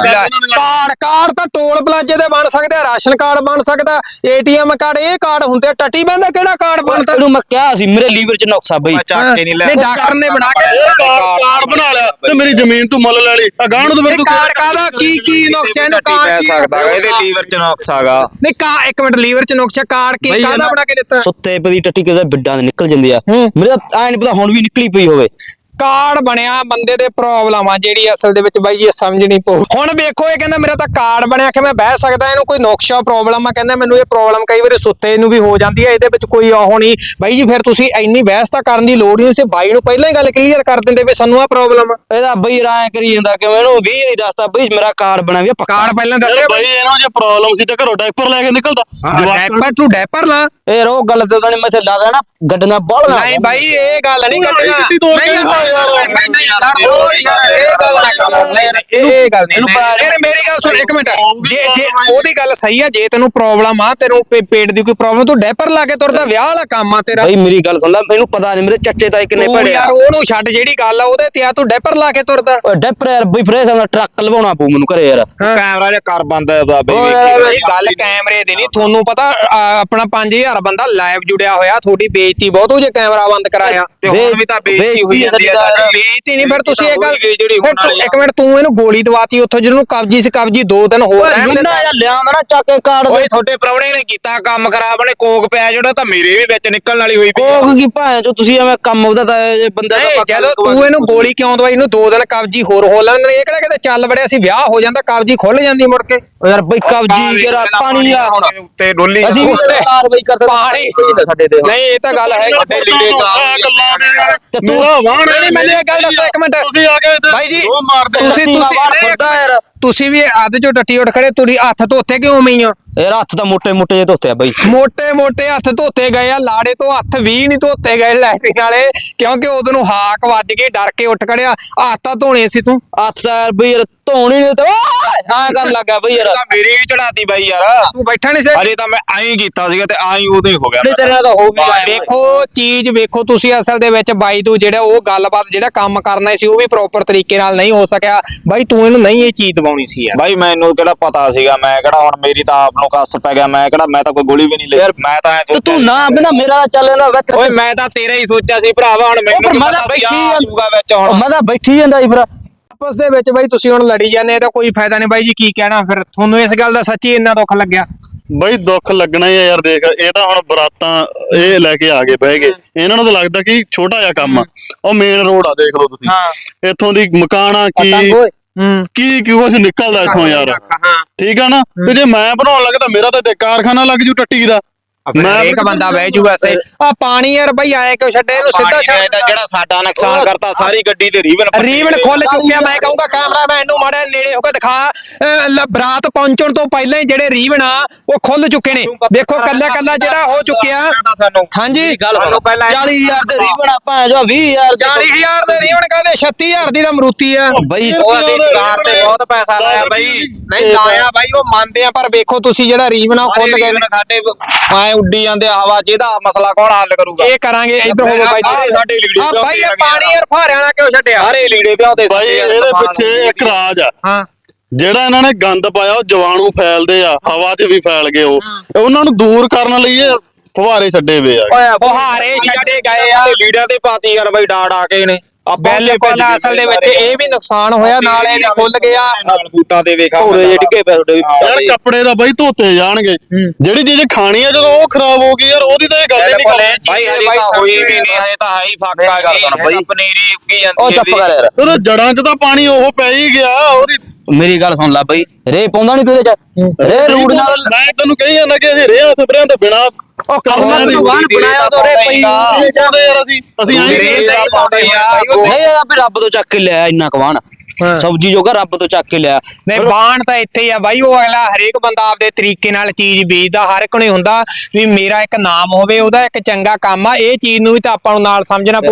S2: ਕਾਰਡ ਕਾਰਡ ਤਾਂ ਟੋਲ ਪਲਾਜ਼ੇ ਦੇ ਬਣ ਸਕਦੇ, ਰਾਸ਼ਨ ਕਾਰਡ ਬਣ ਸਕਦਾ, ਏਟੀਐਮ ਕਾਰਡ, ਇਹ ਕਾਰਡ ਹੁੰਦੇ। ਟੱਟੀ ਬੰਦਾ ਕਿਹੜਾ ਕਾਰਡ ਬਣਦਾ?
S5: ਤੈਨੂੰ ਮੈਂ ਕਿਹਾ ਸੀ ਮੇਰੇ ਲੀਵਰ ਚ ਨੁਕਸਾ ਬਈ।
S2: ਨਹੀਂ ਡਾਕਟਰ ਨੇ ਬਣਾ ਕੇ
S3: ਕਾਰਡ ਬਣਾ ਲਿਆ ਤੇ ਮੇਰੀ ਜ਼ਮੀਨ ਤੂੰ ਮੁੱਲ ਲੈ ਲਈ ਆ ਗਾਂ ਨੂੰ ਤੇ ਫਿਰ ਤੂੰ
S2: ਕਾਰਡ ਕਾਹਦਾ ਕੀ ਕੀ ਨੁਕਸ ਇਹਨੂੰ ਕਾਰਡ
S4: ਪੈ
S2: ਕੀ
S4: ਸਕਦਾ ਇਹਦੇ ਲੀਵਰ ਚ ਨੁਕਸ ਹੈਗਾ।
S2: ਨਹੀਂ ਕਾ ਇੱਕ ਮਿੰਟ, ਲੀਵਰ ਚ ਨੁਕਸ ਕਾਰਡ ਕੀ ਕਾਹਦਾ ਬਣਾ ਕੇ ਦਿੱਤਾ?
S5: ਸੁੱਤੇ ਪਈ ਟੱਟੀ ਕਿਤੇ ਬਿੱਡਾਂ ਦੇ ਨਿਕਲ ਜਾਂਦੀ ਆ, ਮੇਰੇ ਤਾਂ ਐ ਨਹੀਂ ਪਤਾ ਹੁਣ ਵੀ ਨਿਕਲੀ ਪਈ ਹੋਵੇ।
S2: ਕਾਰਡ ਬਣਿਆ ਬੰਦੇ ਦੇ ਪ੍ਰੋਬਲਮ ਆ ਜਿਹੜੀ ਅਸਲ ਦੇ ਵਿੱਚ ਬਾਈ ਜੀ ਸਮਝ ਨਹੀਂ ਪਊ। ਹੁਣ ਵੇਖੋ ਇਹ ਕਹਿੰਦਾ ਮੇਰਾ ਤਾਂ ਕਾਰਡ ਬਣਿਆ ਕਿ ਮੈਂ ਬਹਿ ਸਕਦਾ, ਇਹਨੂੰ ਕੋਈ ਨੁਕਸ਼ਾ ਪ੍ਰੋਬਲਮ ਆ, ਕਹਿੰਦਾ ਮੈਨੂੰ ਇਹ ਪ੍ਰੋਬਲਮ ਕਈ ਵਾਰੀ ਸੁੱਤੇ ਨੂੰ ਵੀ ਹੋ ਜਾਂਦੀ ਹੈ, ਇਹਦੇ ਵਿੱਚ ਕੋਈ ਉਹ ਨਹੀਂ। ਬਾਈ ਜੀ ਫਿਰ ਤੁਸੀਂ ਇੰਨੀ ਬਹਿਸ ਤਾਂ ਕਰਨ ਦੀ ਲੋੜ ਨਹੀਂ ਸੀ, ਬਾਈ ਨੂੰ ਪਹਿਲਾਂ ਹੀ ਗੱਲ ਕਲੀਅਰ ਕਰ ਦਿੰਦੇ ਵੀ ਸਾਨੂੰ ਆ ਪ੍ਰੋਬਲਮ ਆ।
S5: ਇਹਦਾ ਬਈ ਰਾਇ ਕਰੀ ਜਾਂਦਾ ਕਿ ਮੈਨੂੰ ਵੀਹ ਨਹੀਂ ਦੱਸਦਾ ਬਈ ਮੇਰਾ ਕਾਰਡ ਬਣਿਆ ਵੀ ਪੱਕਾ।
S2: ਕਾਰਡ ਪਹਿਲਾਂ
S3: ਯਾਰ
S2: ਦੱਸਿਆ
S3: ਬਈ ਇਹਨਾਂ ਜੇ ਪ੍ਰੋਬਲਮ ਸੀ ਤੇ ਘਰੋਂ ਡਾਈਪਰ ਲੈ ਕੇ ਨਿਕਲਦਾ।
S2: ਡੈਪਰ ਤੂੰ ਡੈਪਰ ਲਾ।
S5: ਇਹ ਰੋ ਗੱਲ ਤੇ ਤਾਂ ਨਹੀਂ ਮੈਂ ਤੇ ਲਾ ਦੇਣਾ ਗੱਡੀਆਂ ਬਾਲ ਨਾ।
S2: ਨਹੀਂ ਬਾਈ ਇਹ ਗੱਲ ਨਹੀਂ ਕਰਨੀ।
S3: ਗੱਡੀ ਤੋੜ ਕੇ
S2: ਨਹੀਂ
S3: ਦਿਖਾ ਯਾਰ।
S2: ਨਹੀਂ, ਨਹੀਂ, ਹੋਰ ਯਾਰ ਇਹ ਗੱਲ ਨਾ ਕਰ। ਨਹੀਂ, ਇਹ ਇਹ ਗੱਲ ਨਹੀਂ। ਯਾਰ ਮੇਰੀ ਗੱਲ ਸੁਣ ਇੱਕ ਮਿੰਟ, ਜੇ ਜੇ ਉਹਦੀ ਗੱਲ ਸਹੀ ਆ, ਜੇ ਤੈਨੂੰ ਪ੍ਰੋਬਲਮ ਆ, ਤੈਨੂੰ ਪੇ- ਪੇਟ ਦੀ ਕੋਈ ਪ੍ਰੋਬਲਮ, ਤੂੰ ਡੈਪਰ ਲਾ ਕੇ ਤੁਰਦਾ, ਵਿਆਹ ਵਾਲਾ ਕੰਮ ਆ ਤੇਰਾ।
S5: ਬਈ ਮੇਰੀ ਗੱਲ ਸੁਣ ਲੈ, ਮੈਨੂੰ ਪਤਾ ਨਹੀਂ ਮੇਰੇ ਚਾਚੇ ਤਾਏ ਕਿੰਨੇ
S2: ਤੂੰ
S5: ਪੜੇ ਆ।
S2: ਯਾਰ ਉਹਨੂੰ ਛੱਡ, ਜਿਹੜੀ ਗੱਲ ਆ ਉਹਦੇ ਤੇ ਆ, ਤੂੰ ਡੈਪਰ ਲਾ ਕੇ ਤੁਰਦਾ।
S5: ਓਏ ਡੈਪਰ ਯਾਰ ਬਈ ਫਰੇਸ ਦਾ ਟਰੱਕ ਲਵਾਉਣਾ ਪਊ ਮੈਨੂੰ ਘਰੇ ਯਾਰ।
S4: ਕੈਮਰਾ ਜਿਹਾ ਕਰ ਬੰਦ ਦਾ ਬਈ
S5: ਓਏ
S4: ਵੇਖੀ
S2: ਇਹ ਗੱਲ ਕੈਮਰੇ ਦੀ ਨਹੀਂ, ਤੁਹਾਨੂੰ ਪਤਾ ਆ, ਆਪਣਾ ਪੰਜ ਹਜ਼ਾਰ ਬੰਦਾ ਲਾਈਵ ਜੁੜਿਆ ਹੋਇਆ, ਤੁਹਾਡੀ ਬੇਇੱਜ਼ਤੀ ਬਹੁਤ ਹੋ ਜੇ ਕੈਮਰਾ ਬੰਦ ਕਰਾਇਆ।
S4: ਤੇ ਹੁਣ ਵੀ ਤਾਂ ਬੇਇੱਜ਼ਤੀ ਹੋਈ ਜਾਂਦੀ ਆ ਸਾਡੀ।
S2: ਬੇਇੱਜ਼ਤੀ ਨਹੀਂ, ਫਿਰ ਤੁਸੀਂ ਇਹ ਗੱਲ
S4: ਜਿਹੜੀ
S2: ਫਿਰ ਤੂੰ- ਇੱਕ ਮਿੰਟ, ਤੂੰ ਇਹਨੂੰ ਗੋਲੀ ਦਵਾਤੀ ਉੱਥੋਂ, ਜਿਹਨੂੰ ਕਬਜੀ ਸੀ ਕਬਜੀ ਦੋ ਦਿਨ ਹੋਰ
S5: ਓਏ
S2: ਰਹਿਣ ਦੇ।
S5: ਲੁੰਨਾ ਯਾਰ ਲਿਆਂਦਾ ਨਾ ਚੱਕ ਕੇ ਕਾਰਡ
S4: ਓਏ ਤੁਹਾਡੇ ਪ੍ਰਾਹੁਣੇ ਨੇ ਕੀਤਾ ਕੰਮ ਖਰਾਬ ਨੇ, ਕੋਕ ਪਿਆ ਜਿਹੜਾ ਤਾਂ ਮੇਰੇ ਵੀ ਵਿੱਚ ਨਿਕਲਣ ਵਾਲੀ ਹੋਈ ਪਈ ਆ।
S5: ਕੋਕ ਕੀ ਭਾਂ ਜੋ ਤੁਸੀਂ ਐਵੇਂ ਕੰਮ ਉਹਦਾ ਤਾਂ ਇਹ ਬੰਦੇ ਦਾ
S2: ਨਹੀਂ,
S5: ਪੱਕਾ
S2: ਜਦੋਂ ਤੂੰ ਇਹਨੂੰ ਗੋਲੀ ਕਿਉਂ ਦਵਾਈ, ਇਹਨੂੰ ਦੋ ਦਿਨ ਕਬਜੀ ਹੋਰ ਹੋ ਲੈਣ। ਇਹ ਕਿਹੜਾ ਕਿਤੇ ਚੱਲ ਵੜਿਆ ਸੀ, ਵਿਆਹ ਹੋ ਜਾਂਦਾ ਕਬਜੀ ਖੁੱਲ ਜਾਂਦੀ ਮੁੜ ਕੇ।
S5: ਓ ਯਾਰ ਬਈ ਕਬਜੀ ਜਿਹੜਾ ਪਾਣੀ ਆ ਹੁਣ
S4: ਉੱਤੇ ਡੋਲੀ
S5: ਅਸੀਂ ਵੀ
S2: ਉੱਤੇ
S5: ਕਾਰਵਾਈ ਕਰ ਸਕਦੇ
S2: ਪਾਣੀ
S5: ਸਾਡੇ ਤੇ
S2: ਨਹੀਂ, ਇਹ ਤਾਂ ਗੱਲ ਹੈ।
S4: ਵੱਡੇ ਲੀੜੇ
S3: ਗੱਲਾਂ ਦੇ ਯਾਰ
S5: ਤੇ ਤੂੰ
S3: ਮੇਰਾ ਵਾਹਣ
S2: ਨਹੀਂ, ਨਹੀਂ, ਮੈਨੂੰ ਇਹ ਗੱਲ ਦੱਸੋ ਇੱਕ ਮਿੰਟ।
S3: ਤੁਸੀਂ ਆ ਕੇ
S2: ਬਾਈ ਜੀ
S3: ਉਹ ਮਾਰਦੇ
S2: ਤੁਸੀਂ ਤੁਸੀਂ
S5: ਤੁਸੀਂ ਯਾਰ
S2: ਤੁਸੀਂ ਵੀ ਅੱਧ ਚੋਂ ਟੱਟੀ ਉੱਠ ਖੜੇ, ਤੁਸੀਂ ਹੱਥ ਧੋਤੇ ਕਿਉਂ ਮਈ ਆ?
S5: ਯਾਰ ਹੱਥ ਤਾਂ ਮੋਟੇ ਮੋਟੇ ਜਿਹੇ ਧੋਤੇ ਆ ਬਈ।
S2: ਮੋਟੇ ਮੋਟੇ ਹੱਥ ਧੋਤੇ ਗਏ ਆ, ਲਾੜੇ ਤੋਂ ਹੱਥ ਵੀ ਨਹੀਂ ਧੋਤੇ ਗਏ ਲੈਟਰਿਨ ਵਾਲੇ, ਕਿਉਂਕਿ ਉਦੋਂ ਨੂੰ ਹਾਕ ਵੱਜ ਗਈ, ਡਰ ਕੇ ਉੱਠ ਖੜਿਆ। ਹੱਥ ਤਾਂ ਧੋਣੇ ਸੀ ਤੂੰ।
S5: ਹੱਥ ਤਾਂ ਯਾਰ ਬਈ ਯਾਰ ਧੋਣੀ ਨਹੀਂ ਤੇ ਐਂ ਕਰਨ ਲੱਗਾ ਬਈ ਯਾਰ।
S4: ਤਾਂ ਮੇਰੀ ਵੀ ਚੜਾਤੀ ਬਾਈ ਯਾਰ।
S2: ਤੂੰ ਬੈਠਾ ਨਹੀਂ ਸੀ।
S4: ਅਰੇ ਤਾਂ ਮੈਂ ਐਂ ਕੀਤਾ ਸੀਗਾ ਤੇ ਆਈ ਉਦੋਂ ਹੀ ਹੋ ਗਿਆ।
S5: ਨਹੀਂ ਤੇਰੇ ਨਾਲ ਤਾਂ ਹੋ ਵੀ ਗਿਆ।
S2: ਵੇਖੋ ਚੀਜ਼ ਵੇਖੋ ਤੁਸੀਂ, ਅਸਲ ਦੇ ਵਿੱਚ ਬਾਈ ਤੂੰ ਜਿਹੜਾ ਉਹ ਗੱਲਬਾਤ ਜਿਹੜਾ ਕੰਮ ਕਰਨਾ ਸੀ ਉਹ ਵੀ ਪ੍ਰੋਪਰ ਤਰੀਕੇ ਨਾਲ ਨਹੀਂ ਹੋ ਸਕਿਆ। ਬਾਈ ਤੂੰ ਇਹਨੂੰ ਨਹੀਂ ਇਹ ਚੀਜ਼ ਦਵਾਉਣੀ ਸੀ ਯਾਰ।
S4: ਬਾਈ ਮੈਨੂੰ ਕਿਹੜਾ ਪਤਾ ਸੀਗਾ, ਮੈਂ ਕਿਹੜਾ ਹੁਣ ਮੇਰੀ ਤਾਂ ਆਪ ਨੂੰ ਕੱਸ ਪੈ ਗਿਆ, ਮੈਂ ਕਿਹੜਾ ਮੈਂ ਤਾਂ ਕੋਈ ਗੋਲੀ ਵੀ ਨਹੀਂ ਲਈ। ਮੈਂ ਤਾਂ ਐਂ
S5: ਤੇ
S4: ਸੋਚਿਆ
S5: ਤੂੰ ਨਾ ਬਿਨਾ ਮੇਰਾ ਤਾਂ ਚੱਲ ਜਾਂਦਾ ਵਿੱਚ।
S4: ਓਏ ਮੈਂ ਤਾਂ ਤੇਰਾ ਹੀ ਸੋਚਿਆ ਸੀ ਭਰਾਵਾ, ਹੁਣ ਮੈਨੂੰ
S5: ਮੈਂ
S4: ਪਤਾ
S5: ਤਾਂ
S4: ਸੀ
S5: ਬੈਠੀ
S4: ਆ ਜਾਊਗਾ ਵਿੱਚ ਹੁਣ।
S5: ਮੈਂ ਤਾਂ ਬੈਠੀ ਜਾਂਦਾ ਸੀ ਫਿਰ।
S2: ਆਪਸ ਦੇ ਵਿੱਚ ਬਾਈ ਤੁਸੀਂ ਹੁਣ ਲੜੀ ਜਾਂਦੇ, ਇਹਦਾ ਕੋਈ ਫਾਇਦਾ ਨਹੀਂ। ਬਾਈ ਜੀ ਕੀ ਕਹਿਣਾ ਫਿਰ ਤੁਹਾਨੂੰ ਇਸ ਗੱਲ ਦਾ ਸੱਚੀ ਇੰਨਾ ਦੁੱਖ ਲੱਗਿਆ?
S3: ਬਈ ਦੁੱਖ ਲੱਗਣਾ ਹੀ ਆ ਯਾਰ। ਦੇਖ ਇਹ ਤਾਂ ਹੁਣ ਬਰਾਤਾਂ ਇਹ ਲੈ ਕੇ ਆ ਗਏ ਬਹਿ ਗਏ, ਇਹਨਾਂ ਨੂੰ ਤਾਂ ਲੱਗਦਾ ਕਿ ਛੋਟਾ ਜਿਹਾ ਕੰਮ ਆ। ਉਹ ਮੇਨ ਰੋਡ ਆ, ਦੇਖ ਲਓ ਤੁਸੀਂ
S2: ਹਾਂ
S3: ਇੱਥੋਂ ਦੀ ਮਕਾਨਾ ਕੀ
S2: ਹੂੰ
S3: ਕੀ ਕੀ ਕੁਛ ਨਿਕਲਦਾ ਇੱਥੋਂ ਯਾਰ। ਠੀਕ ਆ ਨਾ, ਤੇ ਜੇ ਮੈਂ ਬਣਾਉਣ ਲੱਗਦਾ ਮੇਰਾ ਤਾਂ ਇੱਥੇ ਕਾਰਖਾਨਾ ਲੱਗ ਜੂ ਟੱਟੀ ਦਾ।
S2: ਮੈਂ ਇੱਕ ਬੰਦਾ ਬਹਿ ਜੂਗਾ ਸੇ ਆ ਪਾਣੀ ਯਾਰ ਬਈ ਆਏ ਕਿਉਂ ਛੱਡੇ ਇਹਨੂੰ ਸਿੱਧਾ ਛੱਡ।
S4: ਜਿਹੜਾ ਸਾਡਾ ਨੁਕਸਾਨ ਕਰਤਾ, ਸਾਰੀ ਗੱਡੀ ਤੇ ਰੀਵਨ
S2: ਰੀਵਨ ਖੁੱਲ ਚੁੱਕਿਆ। ਮੈਂ ਕਹੂੰਗਾ ਕੈਮਰਾਮੈਨ ਨੂੰ ਮਾੜਾ ਨੇੜੇ ਹੋ ਕੇ ਦਿਖਾ, ਅਹ, ਲ- ਬਰਾਤ ਪਹੁੰਚਣ ਤੋਂ ਪਹਿਲਾਂ ਹੀ ਜਿਹੜੇ ਰੀਵਨ ਆ ਉਹ ਖੁੱਲ ਚੁੱਕੇ ਨੇ। ਵੇਖੋ ਕੱਲਾ ਕੱਲਾ ਜਿਹੜਾ ਹੋ ਚੁੱਕਿਆ।
S4: ਸਾਨੂੰ
S2: ਹਾਂਜੀ
S5: ਗੱਲ ਸੁਣੋ ਪਹਿਲਾਂ ਚਾਲੀ ਹਜ਼ਾਰ ਦੇ ਰੀਵਨ ਆਪਾਂ ਜੋ ਵੀਹ ਹਜ਼ਾਰ ਦੇ
S2: ਚਾਲੀ ਹਜ਼ਾਰ ਦੇ ਰੀਵਨ ਕਹਿੰਦੇ ਛੱਤੀ ਹਜ਼ਾਰ ਦੀ ਤਾਂ ਮਰੂਤੀ ਆ।
S5: ਬਈ
S4: ਉਹ ਅਸੀਂ ਸਰਕਾਰ ਤੇ ਬਹੁਤ ਪੈਸਾ ਲਾਇਆ ਬਾਈ।
S2: ਨਹੀਂ ਲਾਇਆ ਬਾਈ, ਉਹ ਮੰਨਦੇ ਆ, ਪਰ ਵੇਖੋ ਤੁਸੀਂ ਜਿਹੜਾ ਰੀਵਨ ਆ ਉਹ ਖੁੱਲ ਗਏ ਨੇ।
S4: ਸਾਡੇ ਐ ਉੱਡੀ ਜਾਂਦੇ ਆ ਹਵਾ, ਜਿਹਦਾ ਮਸਲਾ ਕੌਣ ਹੱਲ ਕਰੂਗਾ?
S2: ਇਹ ਕਰਾਂਗੇ ਇੱਧਰ ਹੋਵੋ ਬਾਈ ਜੀ।
S4: ਸਾਡੇ ਲੀੜੇ
S2: ਆ ਬਾਈ ਇਹ ਪਾਣੀ ਯਾਰ ਫਾਰਿਆਂ ਨਾਲ ਕਿਉਂ ਛੱਡਿਆ?
S4: ਸਾਰੇ ਲੀੜੇ ਪਿਆਉਂਦੇ
S3: ਬਾਈ ਇਹਦੇ ਪਿੱਛੇ ਇੱਕ ਰਾਜ ਆ।
S2: ਹਾਂ
S3: ਜਿਹੜਾ ਇਹਨਾਂ ਨੇ ਗੰਦ ਪਾਇਆ ਉਹ ਜਵਾਣੂ ਫੈਲਦੇ ਆ, ਹਵਾ 'ਚ ਵੀ ਫੈਲ ਗਏ। ਉਹ ਉਹਨਾਂ ਨੂੰ ਦੂਰ ਕਰਨ ਲਈ ਇਹ ਫੁਹਾਰੇ ਛੱਡੇ ਵੇ ਆ।
S2: ਫੁਹਾਰੇ ਛੱਡੇ ਗਏ ਆ।
S4: ਲੀੜਿਆਂ ਤੇ ਪਾਤੀ ਯਾਰ ਬਾਈ ਡਾੜ ਆ ਕੇ ਨੇ।
S2: ਬਿਲਕੁਲ ਅਸਲ ਦੇ ਵਿੱਚ ਇਹ ਵੀ ਨੁਕਸਾਨ ਹੋਇਆ, ਨਾਲੇ ਵੀ ਖੁੱਲ ਗਿਆ।
S4: ਨਾਲ ਬੂਟਾਂ ਦੇ ਵੇਖਾ
S5: ਭੂਰੇ ਜਿਹੇ ਡਿੱਗੇ ਪਏ ਤੁਹਾਡੇ ਵੀ।
S3: ਯਾਰ ਕੱਪੜੇ ਦਾ ਬਾਈ ਧੋਤੇ ਜਾਣਗੇ, ਜਿਹੜੀ ਚੀਜ਼ ਖਾਣੀ ਆ ਜਦੋਂ ਉਹ ਖਰਾਬ ਹੋ ਗਈ ਯਾਰ, ਉਹਦੀ ਤਾਂ ਇਹ ਗੱਲ ਹੀ ਨਹੀਂ ਕਰਨੀ।
S4: ਬਾਈ ਹਜੇ ਤਾਂ ਹੋਈ ਵੀ ਨਹੀਂ, ਹਜੇ ਤਾਂ ਹਾਈ ਫੱਕ ਆ ਗਈ ਬਾਈ। ਪਨੀਰੀ ਉੱਗੀ
S5: ਉਹ
S4: ਜਾਂਦੀ
S5: ਚੁੱਪ ਕਰ ਯਾਰ।
S3: ਉਹਦੇ ਜੜਾਂ 'ਚ ਤਾਂ ਪਾਣੀ ਉਹ ਪੈ ਹੀ ਗਿਆ ਉਹਦੀ।
S5: ਮੇਰੀ ਗੱਲ ਸੁਣ ਲੈ ਬਈ, ਰੇ ਪਾਉਂਦਾ ਨਹੀਂ ਤੂੰ ਇਹਦੇ ਚ। ਰੇ ਰੂੜ ਨਾਲ
S3: ਮੈਂ ਤੈਨੂੰ ਕਹੀ ਜਾਂਦਾ ਕਿ ਅਸੀਂ ਰੇਹਾਂ ਸਪਰੇਆਂ ਤੋਂ ਬਿਨਾ
S5: ਉਹ ਕਸਮਾਂ ਨੂੰ ਵਾਹਨ ਬਣਾਇਆ ਤਾਂ ਰੇ ਪਈ
S3: ਚਾਹੁੰਦੇ ਯਾਰ ਅਸੀਂ ਅਸੀਂ ਐਂ
S4: ਰੇਹ ਦਾ ਪਾਉਂਦੇ ਆ।
S5: ਨਹੀਂ ਇਹ ਵੀ ਰੱਬ ਤੋਂ ਚੱਕ ਕੇ ਲਿਆ ਇੰਨਾ ਕਵਾਨ ਸਬਜੀ ਜੋਗਾ ਰੱਬ ਤੋਂ ਚੱਕ ਕੇ ਲਿਆ।
S2: ਨਹੀਂ ਬਾਣ ਤਾਂ ਇੱਥੇ ਹੀ ਆ ਬਾਈ। ਉਹ ਅਗਲਾ ਹਰੇਕ ਬੰਦਾ ਆਪਦੇ ਤਰੀਕੇ ਨਾਲ ਚੀਜ਼ ਵੇਚਦਾ, ਹਰ ਇੱਕ ਨੂੰ ਹੁੰਦਾ ਵੀ ਮੇਰਾ ਇੱਕ ਨਾਮ ਹੋਵੇ, ਉਹਦਾ ਇੱਕ ਚੰਗਾ ਕੰਮ ਆ। ਇਹ ਚੀਜ਼ ਨੂੰ ਵੀ ਤਾਂ ਆਪਾਂ ਨੂੰ ਨਾਲ ਸਮਝਣਾ ਪਊ।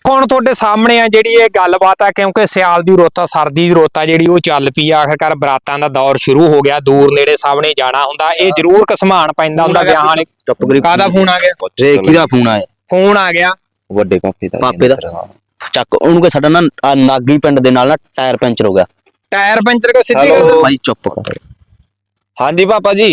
S2: ਹੁਣ ਤੁਹਾਡੇ ਸਾਹਮਣੇ ਆ ਜਿਹੜੀ ਇਹ ਗੱਲਬਾਤ ਆ, ਕਿਉਂਕਿ ਸਿਆਲ ਦੀ ਰੁੱਤ ਆ, ਸਰਦੀ ਦੀ ਰੁੱਤ ਆ ਜਿਹੜੀ ਉਹ ਚੱਲ ਪਈ ਆ। ਆਖਰਕਾਰ ਬਰਾਤਾਂ ਦਾ ਦੌਰ ਸ਼ੁਰੂ ਹੋ ਗਿਆ, ਦੂਰ ਨੇੜੇ ਸਾਹਮਣੇ ਜਾਣਾ ਹੁੰਦਾ, ਇਹ ਜ਼ਰੂਰ ਘਸਮਾਨ ਪੈਂਦਾ ਹੁੰਦਾ ਵਿਆਹਾਂ ਵਾਲੇ।
S5: ਚੁੱਪ ਕਰੀ।
S2: ਕਾਹਦਾ ਫੋਨ ਆ ਗਿਆ?
S5: ਜੇ ਕਿਹਦਾ ਫੋਨ ਆਇਆ?
S2: ਫੋਨ ਆ ਗਿਆ
S4: ਵੱਡੇ ਪਾਪੇ ਦਾ
S5: ਪਾਪੇ ਦਾ। ਚੱਕ ਉਹਨੂੰ ਕਿ ਸਾਡਾ ਨਾ ਆਹ ਨਾਗੀ ਪਿੰਡ ਦੇ ਨਾਲ ਨਾ ਟਾਇਰ ਪੈਂਚਰ ਹੋ ਗਿਆ।
S2: ਟਾਇਰ ਪੈਂਚਰ ਕੋ ਸਿੱਧੀ
S4: Hello?
S2: ਗੱਲ।
S5: ਭਾਈ ਚੁੱਪ ਕਰ।
S4: ਹਾਂਜੀ ਪਾਪਾ ਜੀ,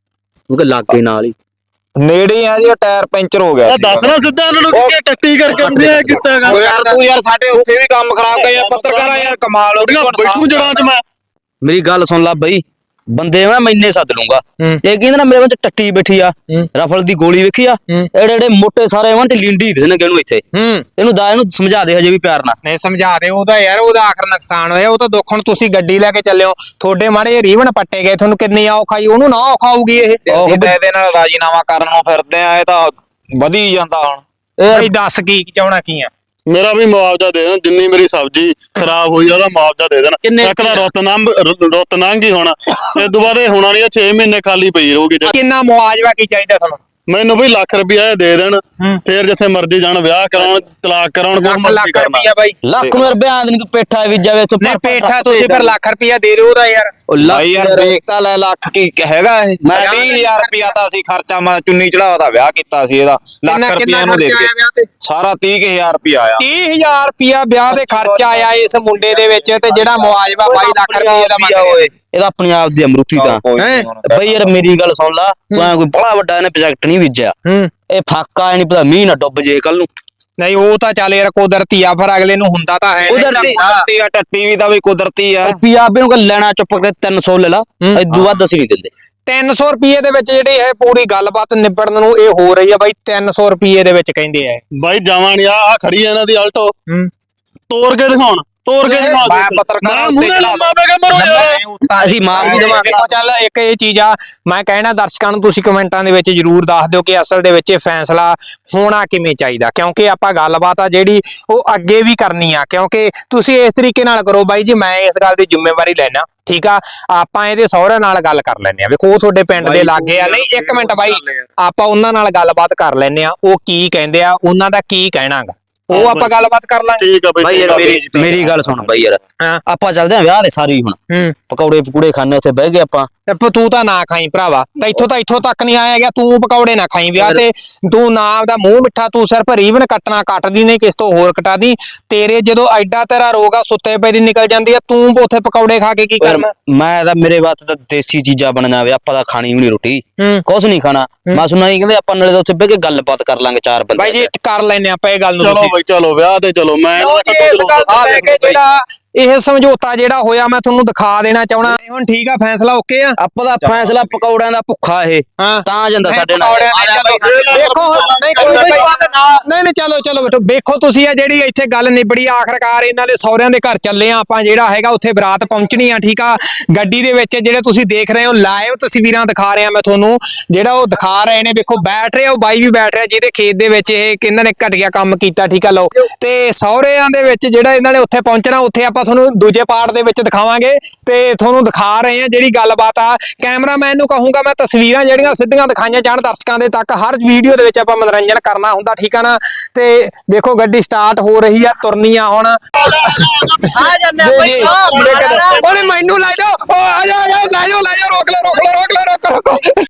S5: ਉਹ ਕਿ ਲਾਗੇ ਨਾਲ ਹੀ
S4: ਨੇੜੇ ਆ ਜੀ, ਉਹ ਟਾਇਰ ਪੈਂਚਰ ਹੋ ਗਿਆ ਸੀ।
S3: ਦੱਸ ਨਾ ਸਿੱਧਾ ਇਹਨਾਂ ਨੂੰ ਕਿ ਟੱਟੀ ਕਰਕੇ ਤੁਸੀਂ ਇਹ ਕੀਤਾ ਗਾ।
S4: ਓ ਯਾਰ ਤੂੰ ਯਾਰ ਸਾਡੇ ਉੱਥੇ ਵੀ ਕੰਮ ਖਰਾਬ ਕਰ, ਯਾਰ ਪੱਤਰਕਾਰਾ ਯਾਰ ਕਮਾਲ ਹੋ ਗਈ।
S3: ਬੈਠੂ ਜੜਾਂ ਚ ਮੈਂ
S5: ਮੇਰੀ ਗੱਲ ਸੁਣ ਲੈ ਬਈ, ਬੰਦੇ ਮੈਂ ਮੈਨੇ ਸੱਦ ਲੂੰਗਾ। ਇਹ ਕਹਿੰਦੇ ਨਾ ਮੇਰੇ ਵਿੱਚ ਟੱਟੀ ਬੈਠੀ ਆ, ਰਫਲ ਦੀ ਗੋਲੀ ਵੇਖੀ ਆ, ਐਡੇ ਐਡੇ ਮੋਟੇ ਸਾਰੇ ਵਾਂ ਤੇ ਲਿੰਡੀ ਦੇ ਨੇ ਇਹਨੂੰ ਇੱਥੇ। ਇਹਨੂੰ ਦਾ ਇਹਨੂੰ ਸਮਝਾ ਦੇ ਹਜੇ ਵੀ ਪਿਆਰ ਨਾਲ।
S2: ਨਹੀਂ ਸਮਝਾ ਦੇ, ਉਹਦਾ ਯਾਰ ਉਹਦਾ ਆਖਰ ਨੁਕਸਾਨ ਹੋਇਆ। ਉਹ ਤਾਂ ਦੁੱਖ ਹੁਣ ਤੁਸੀਂ ਗੱਡੀ ਲੈ ਕੇ ਚੱਲਿਓ, ਤੁਹਾਡੇ ਮਾੜੇ ਰੀਵਨ ਪੱਟੇ ਗਏ, ਤੁਹਾਨੂੰ ਕਿੰਨੀ ਔਖ ਆਈ, ਉਹਨੂੰ ਨਾ ਔਖ ਆਊਗੀ ਇਹ।
S4: ਅਸੀਂ ਤਾਂ ਇਹਦੇ ਨਾਲ ਰਾਜੀਨਾਮਾ ਕਰਨ ਨੂੰ ਫਿਰਦੇ ਆ, ਇਹ ਤਾਂ ਵਧੀ ਜਾਂਦਾ ਹੁਣ।
S2: ਬਈ ਦੱਸ ਕੀ ਚਾਹਣਾ ਕੀ ਆ?
S3: ਮੇਰਾ ਵੀ ਮੁਆਵਜ਼ਾ ਦੇ ਦੇਣ, ਜਿੰਨੀ ਮੇਰੀ ਸਬਜ਼ੀ ਖਰਾਬ ਹੋਈ ਆ ਉਹਦਾ ਮੁਆਵਜ਼ਾ ਦੇ ਦੇਣ।
S5: ਕਿੰਨੇ-
S3: ਇੱਕ ਤਾਂ ਰੁੱਤ ਨੰਗ ਰੁੱਤ ਨੰਗ ਹੀ ਹੋਣਾ, ਇਸ ਤੋਂ ਬਾਅਦ ਇਹ ਹੋਣਾ ਨਹੀਂ, ਛੇ ਮਹੀਨੇ ਖਾਲੀ ਪਈ ਰਹੂਗੀ।
S2: ਕਿੰਨਾ ਮੁਆਵਜ਼ਾ ਕੀ ਚਾਹੀਦਾ ਤੁਹਾਨੂੰ?
S3: ਮੈਨੂੰ ਵੀ ਲੱਖ ਰੁਪਇਆ ਦੇ ਦੇਣ, ਫੇਰ ਜਿੱਥੇ ਮਰਜ਼ੀ ਜਾਣ, ਵਿਆਹ ਕਰਾਉਣ, ਤਲਾਕ ਕਰਾਉਣ, ਕੋਈ
S2: ਲੱਖ
S3: ਮਰਜ਼ੀ
S2: ਲੱਖ
S3: ਕਰਨਾ।
S2: ਰੁਪਇਆ ਬਾਈ।
S5: ਲੱਖ ਨੂੰ ਰੁਪਇਆ ਨਹੀਂ ਤੂੰ ਪੇਠਾ ਵੀ ਜਾਵੇ ਤੂੰ।
S2: ਨਹੀਂ ਪੇਠਾ ਤੁਸੀਂ ਫਿਰ ਲੱਖ ਰੁਪਇਆ ਦੇ ਦਿਓ ਉਹਦਾ ਯਾਰ।
S5: ਉਹ ਲੱਖ
S4: ਭਾਈ ਯਾਰ ਦੇਖ ਤਾਂ ਲੈ, ਲੱਖ ਕੀ ਹੈਗਾ ਇਹ?
S5: ਮੈਂ
S4: ਤੀਹ ਹਜ਼ਾਰ ਰੁਪਇਆ ਤਾਂ ਅਸੀਂ ਖਰਚਾ, ਮੈਂ ਚੁੰਨੀ ਚੜਾਵਾ ਦਾ ਵਿਆਹ ਕੀਤਾ ਸੀ, ਇਹਦਾ ਲੱਖ
S2: ਕਿੰਨਾ-
S4: ਰੁਪਇਆ
S2: ਕਿੰਨਾ
S4: ਇਹਨੂੰ ਦੇ
S2: ਖਰਚਾ ਆਇਆ ਵਿਆਹ
S4: ਕੇ
S2: ਤੇ?
S4: ਸਾਰਾ ਤੀਹ ਹਜ਼ਾਰ ਰੁਪਇਆ ਆਇਆ।
S2: ਤੀਹ ਹਜ਼ਾਰ ਰੁਪਇਆ ਵਿਆਹ ਦੇ ਖਰਚਾ ਆਇਆ ਇਸ ਮੁੰਡੇ ਦੇ ਵਿੱਚ, ਤੇ ਜਿਹੜਾ ਮੁਆਵਜ਼ਾ ਬਾਈ ਲੱਖ ਰੁਪਏ ਦਾ ਮੰਗਿਆ ਓਏ।
S5: ਇਹਦਾ ਆਪਣੀ ਆਪ ਦੀ ਅਮਰੂਤੀ ਦਾ।
S4: ਕੋਈ
S2: ਹੈਂ?
S4: ਨੀ ਹੁਣ
S5: ਬਈ ਯਾਰ ਮੇਰੀ ਗੱਲ ਸੁਣ ਲਾ, ਤੂੰ ਐਂ ਕੋਈ ਬੜਾ ਵੱਡਾ ਇਹਨੇ ਪ੍ਰੋਜੈਕਟ ਨਹੀਂ ਬੀਜਿਆ। ਇਹ ਫਾਕਾ ਨਹੀਂ ਪਤਾ ਮੀਂਹ ਨਾ ਡੁੱਬ ਜੇ ਕੱਲ ਨੂੰ।
S2: ਨਹੀਂ ਉਹ ਤਾਂ ਚੱਲ ਯਾਰ ਕੁਦਰਤੀ ਆ, ਫਿਰ ਅਗਲੇ ਨੂੰ ਹੁੰਦਾ ਤਾਂ ਹੈ।
S5: ਕੁਦਰਤੀ-
S4: ਕੁਦਰਤੀ ਆ, ਟੱਟੀ ਵੀ ਦਾ ਵੀ ਕੁਦਰਤੀ ਆ।
S5: ਪੰਜਾਬੀ ਨੂੰ ਕਹ ਲੈਣਾ ਚੁੱਪ ਕਰਕੇ ਤਿੰਨ ਸੌ ਲੈ ਲਾ, ਇਦੋਂ ਵੱਧ ਅਸੀਂ ਨਹੀਂ ਦਿੰਦੇ।
S2: ਤਿੰਨ ਸੌ ਰੁਪਏ ਦੇ ਵਿੱਚ ਜਿਹੜੀ ਇਹ ਪੂਰੀ ਗੱਲਬਾਤ ਨਿਬੜਨ ਨੂੰ ਇਹ ਹੋ ਰਹੀ ਆ ਬਾਈ, ਤਿੰਨ ਸੌ ਰੁਪਏ ਦੇ ਵਿੱਚ ਕਹਿੰਦੇ ਆ।
S3: ਬਾਈ ਜਾਵਾਂ ਨੀ, ਆ ਆ ਖੜੀ ਆ ਇਹਨਾਂ ਦੀ ਆਲਟੋ, ਤੋੜ ਕੇ ਦਿਖਾਉਣ, ਤੋੜ ਕੇ ਦਿਖਾ
S4: ਮੈਂ ਪੱਤਰਕਾਰਾਂ ਉੱਤੇ
S3: ਮੂਹਰੇ
S4: ਚੜਾ
S3: ਲੰਮਾ ਪੈ ਕੇ ਮਰੋ ਯਾਰ।
S5: ਅਸੀਂ ਮਾਰ ਵੀ ਦੇਵਾਂਗੇ।
S2: ਦੇਖੋ ਚੱਲ ਇੱਕ ਇਹ ਚੀਜ਼ ਆ, ਮੈਂ ਕਹਿਣਾ ਦਰਸ਼ਕਾਂ ਨੂੰ ਤੁਸੀਂ ਕਮੈਂਟਾਂ ਦੇ ਵਿੱਚ ਜਰੂਰ ਦੱਸ ਦਿਓ ਕਿ ਅਸਲ ਦੇ ਵਿੱਚ ਇਹ ਫੈਸਲਾ ਹੋਣਾ ਕਿਵੇਂ ਚਾਹੀਦਾ, ਕਿਉਂਕਿ ਆਪਾਂ ਗੱਲਬਾਤ ਆ ਜਿਹੜੀ ਉਹ ਅੱਗੇ ਵੀ ਕਰਨੀ ਆ। ਕਿਉਂਕਿ ਤੁਸੀਂ ਇਸ ਤਰੀਕੇ ਨਾਲ ਕਰੋ ਬਾਈ ਜੀ, ਮੈਂ ਇਸ ਗੱਲ ਦੀ ਜ਼ਿੰਮੇਵਾਰੀ ਲੈਣਾ, ਠੀਕ ਆ। ਆਪਾਂ ਇਹਦੇ ਸਹੁਰੇ ਨਾਲ ਗੱਲ ਕਰ ਲੈਨੇ ਆ, ਵੇਖੋ ਉਹ ਤੁਹਾਡੇ ਪਿੰਡ ਦੇ ਲਾਗੇ ਆ। ਨਹੀਂ ਇੱਕ ਮਿੰਟ ਬਾਈ, ਆਪਾਂ ਉਹਨਾਂ ਨਾਲ ਗੱਲਬਾਤ ਕਰ ਲੈਨੇ ਆ, ਉਹ ਕੀ ਕਹਿੰਦੇ ਆ, ਉਹਨਾਂ ਦਾ ਕੀ ਕਹਿਣਾਗਾ, ਉਹ ਆਪਾਂ ਗੱਲਬਾਤ ਕਰ ਲਾਂਗੇ।
S3: ਠੀਕ ਆ
S5: ਬਾਈ ਯਾਰ ਮੇਰੀ ਮੇਰੀ ਗੱਲ ਸੁਣ ਬਾਈ ਯਾਰ,
S2: ਹਾਂ।
S5: ਆਪਾਂ ਚੱਲਦੇ ਆਂ ਵਿਆਹ ਦੇ ਸਾਰੇ ਹੀ ਹੁਣ।
S2: ਹੂੰ
S5: ਪਕੌੜੇ ਪਕੂੜੇ ਖਾਣੇ ਉੱਥੇ ਬਹਿ ਗਏ ਆਪਾਂ।
S2: ਤੇ ਤੂੰ ਤਾਂ ਨਾ ਖਾਈ ਭਰਾਵਾ, ਤਾਂ ਇੱਥੋਂ ਤਾਂ ਇੱਥੋਂ ਤੱਕ ਨਹੀਂ ਆਇਆ ਗਿਆ, ਤੂੰ ਪਕੌੜੇ ਨਾ ਖਾਈ ਵਿਆਹ ਤੇ। ਤੂੰ ਨਾ ਆਪਦਾ ਮੂੰਹ ਮਿੱਠਾ, ਤੂੰ ਸਿਰਫ ਰੀਵਨ ਕੱਟਣਾ ਕੱਟਦੀ ਨਹੀਂ, ਕਿਸ ਤੋਂ ਹੋਰ ਕਟਾ ਦੀ। ਤੇਰੇ ਜਦੋਂ ਐਡਾ ਤੇਰਾ ਰੋਗ ਆ, ਸੁੱਤੇ ਪਏ ਦੀ ਨਿਕਲ ਜਾਂਦੀ ਆ, ਤੂੰ ਉੱਥੇ ਪਕੌੜੇ ਖਾ ਕੇ ਕੀ ਕਰਨਾ?
S5: ਮੈਂ ਤਾਂ ਮੇਰੇ ਵਾਸਤੇ ਤਾਂ ਦੇਸੀ ਚੀਜ਼ਾਂ ਬਣ ਜਾਵੇ, ਆਪਾਂ ਤਾਂ ਖਾਣੀ ਵੀ ਨਹੀਂ ਰੋਟੀ,
S2: ਹੂੰ
S5: ਕੁਛ ਨਹੀਂ ਖਾਣਾ। ਮੈਂ ਸੁਣਾ ਹੀ ਕਹਿੰਦੇ ਆਪਾਂ ਨਾਲੇ ਤਾਂ ਉੱਥੇ ਬਹਿ ਕੇ ਗੱਲਬਾਤ ਕਰ ਲਾਂਗੇ ਚਾਰ ਬੰਦੇ।
S2: ਬਾਈ ਜੀ ਕਰ ਲੈਨੇ ਆਪਾਂ ਇਹ ਗੱਲ ਨੂੰ।
S3: ਚਲੋ
S2: ਤੁਸੀਂ
S3: ਬਾਈ ਚਲੋ ਵਿਆਹ ਤੇ ਚਲੋ, ਮੈਂ
S2: ਲਓ ਜੀ, ਇਸ ਗੱਲ ਤੋਂ ਲੈ ਕੇ ਜਿਹੜਾ ਇਹ ਸਮਝੌਤਾ ਜਿਹੜਾ ਹੋਇਆ ਮੈਂ ਤੁਹਾਨੂੰ ਦਿਖਾ ਦੇਣਾ ਚਾਹਣਾ। ਹੁਣ ਠੀਕ ਆ, ਫੈਸਲਾ ਓਕੇ ਆ।
S5: ਆਪਾਂ ਦਾ ਫੈਸਲਾ ਪਕੌੜਿਆਂ ਦਾ ਭੁੱਖਾ ਇਹ
S2: ਹਾਂ
S5: ਤਾਂ ਜਾਂਦਾ ਸਾਡੇ ਨਾਲ।
S2: ਪਕੌੜਿਆਂ ਦੇ ਚਲੋ ਦੇਖੋ ਹੁਣ, ਨਹੀਂ ਕੋਈ ਬਾਈ, ਨਹੀਂ ਨਹੀਂ ਚਲੋ ਚਲੋ ਬੇਟੋ, ਵੇਖੋ ਤੁਸੀਂ ਆ ਜਿਹੜੀ ਇੱਥੇ ਗੱਲ ਨਿਬੜੀ, ਆਖਰਕਾਰ ਇਹਨਾਂ ਦੇ ਸਹੁਰਿਆਂ ਦੇ ਘਰ ਚੱਲੇ ਆ ਆਪਾਂ। ਜਿਹੜਾ ਹੈਗਾ ਉੱਥੇ ਬਰਾਤ ਪਹੁੰਚਣੀ ਆ, ਠੀਕ ਆ। ਗੱਡੀ ਦੇ ਵਿੱਚ ਜਿਹੜੇ ਤੁਸੀਂ ਦੇਖ ਰਹੇ ਹੋ ਲਾਈਵ ਤਸਵੀਰਾਂ ਦਿਖਾ ਰਿਹਾ ਮੈਂ ਤੁਹਾਨੂੰ, ਜਿਹੜਾ ਉਹ ਦਿਖਾ ਰਹੇ ਨੇ, ਵੇਖੋ ਬੈਠ ਰਿਹਾ ਉਹ ਬਾਈ ਵੀ ਬੈਠ ਰਿਹਾ, ਜਿਹਦੇ ਖੇਤ ਦੇ ਵਿੱਚ ਇਹ ਕਿੰਨਾਂ ਨੇ ਘਟੀਆ ਕੰਮ ਕੀਤਾ, ਠੀਕ ਆ। ਲਓ ਤੇ ਸਹੁਰਿਆਂ ਦੇ ਵਿੱਚ ਜਿਹੜਾ ਇਹਨਾਂ ਨੇ ਉੱਥੇ ਪਹੁੰਚਣਾ, ਉੱਥੇ ਆਪਾਂ ਤੁਹਾਨੂੰ ਦੂਜੇ ਪਾਰਟ ਦੇ ਵਿੱਚ ਦਿਖਾਵਾਂਗੇ ਤੇ ਤੁਹਾਨੂੰ ਦਿਖਾ ਰਹੇ ਆ ਜਿਹੜੀ ਗੱਲਬਾਤ ਆ। ਕੈਮਰਾਮੈਨ ਨੂੰ ਕਹੂੰਗਾ ਮੈਂ ਤਸਵੀਰਾਂ ਜਿਹੜੀਆਂ ਸਿੱਧੀਆਂ ਦਿਖਾਈਆਂ ਜਾਣ ਦਰਸ਼ਕਾਂ ਦੇ ਤੱਕ, ਹਰ ਵੀਡੀਓ ਦੇ ਵਿੱਚ ਆਪਾਂ ਮਨੋਰੰਜਨ ਕਰਨਾ ਹੁੰਦਾ, ਠੀਕ ਆ ਨਾ। ਤੇ ਦੇਖੋ ਗੱਡੀ ਸਟਾਰਟ ਹੋ ਰਹੀ ਆ, ਤੁਰਨੀ ਆ ਹੁਣ। ਆ ਜਾਂਦੇ ਆ ਬਈ, ਓਏ ਮੈਨੂੰ ਲੈ ਜਾਓ, ਓ ਆ ਜਾ, ਲੈ ਜਾਓ ਲੈ ਜਾਓ, ਰੋਕ ਲੈ ਰੋਕ ਲੈ ਰੋਕ ਲੈ ਰੋਕ ਲੈ ਰੋਕ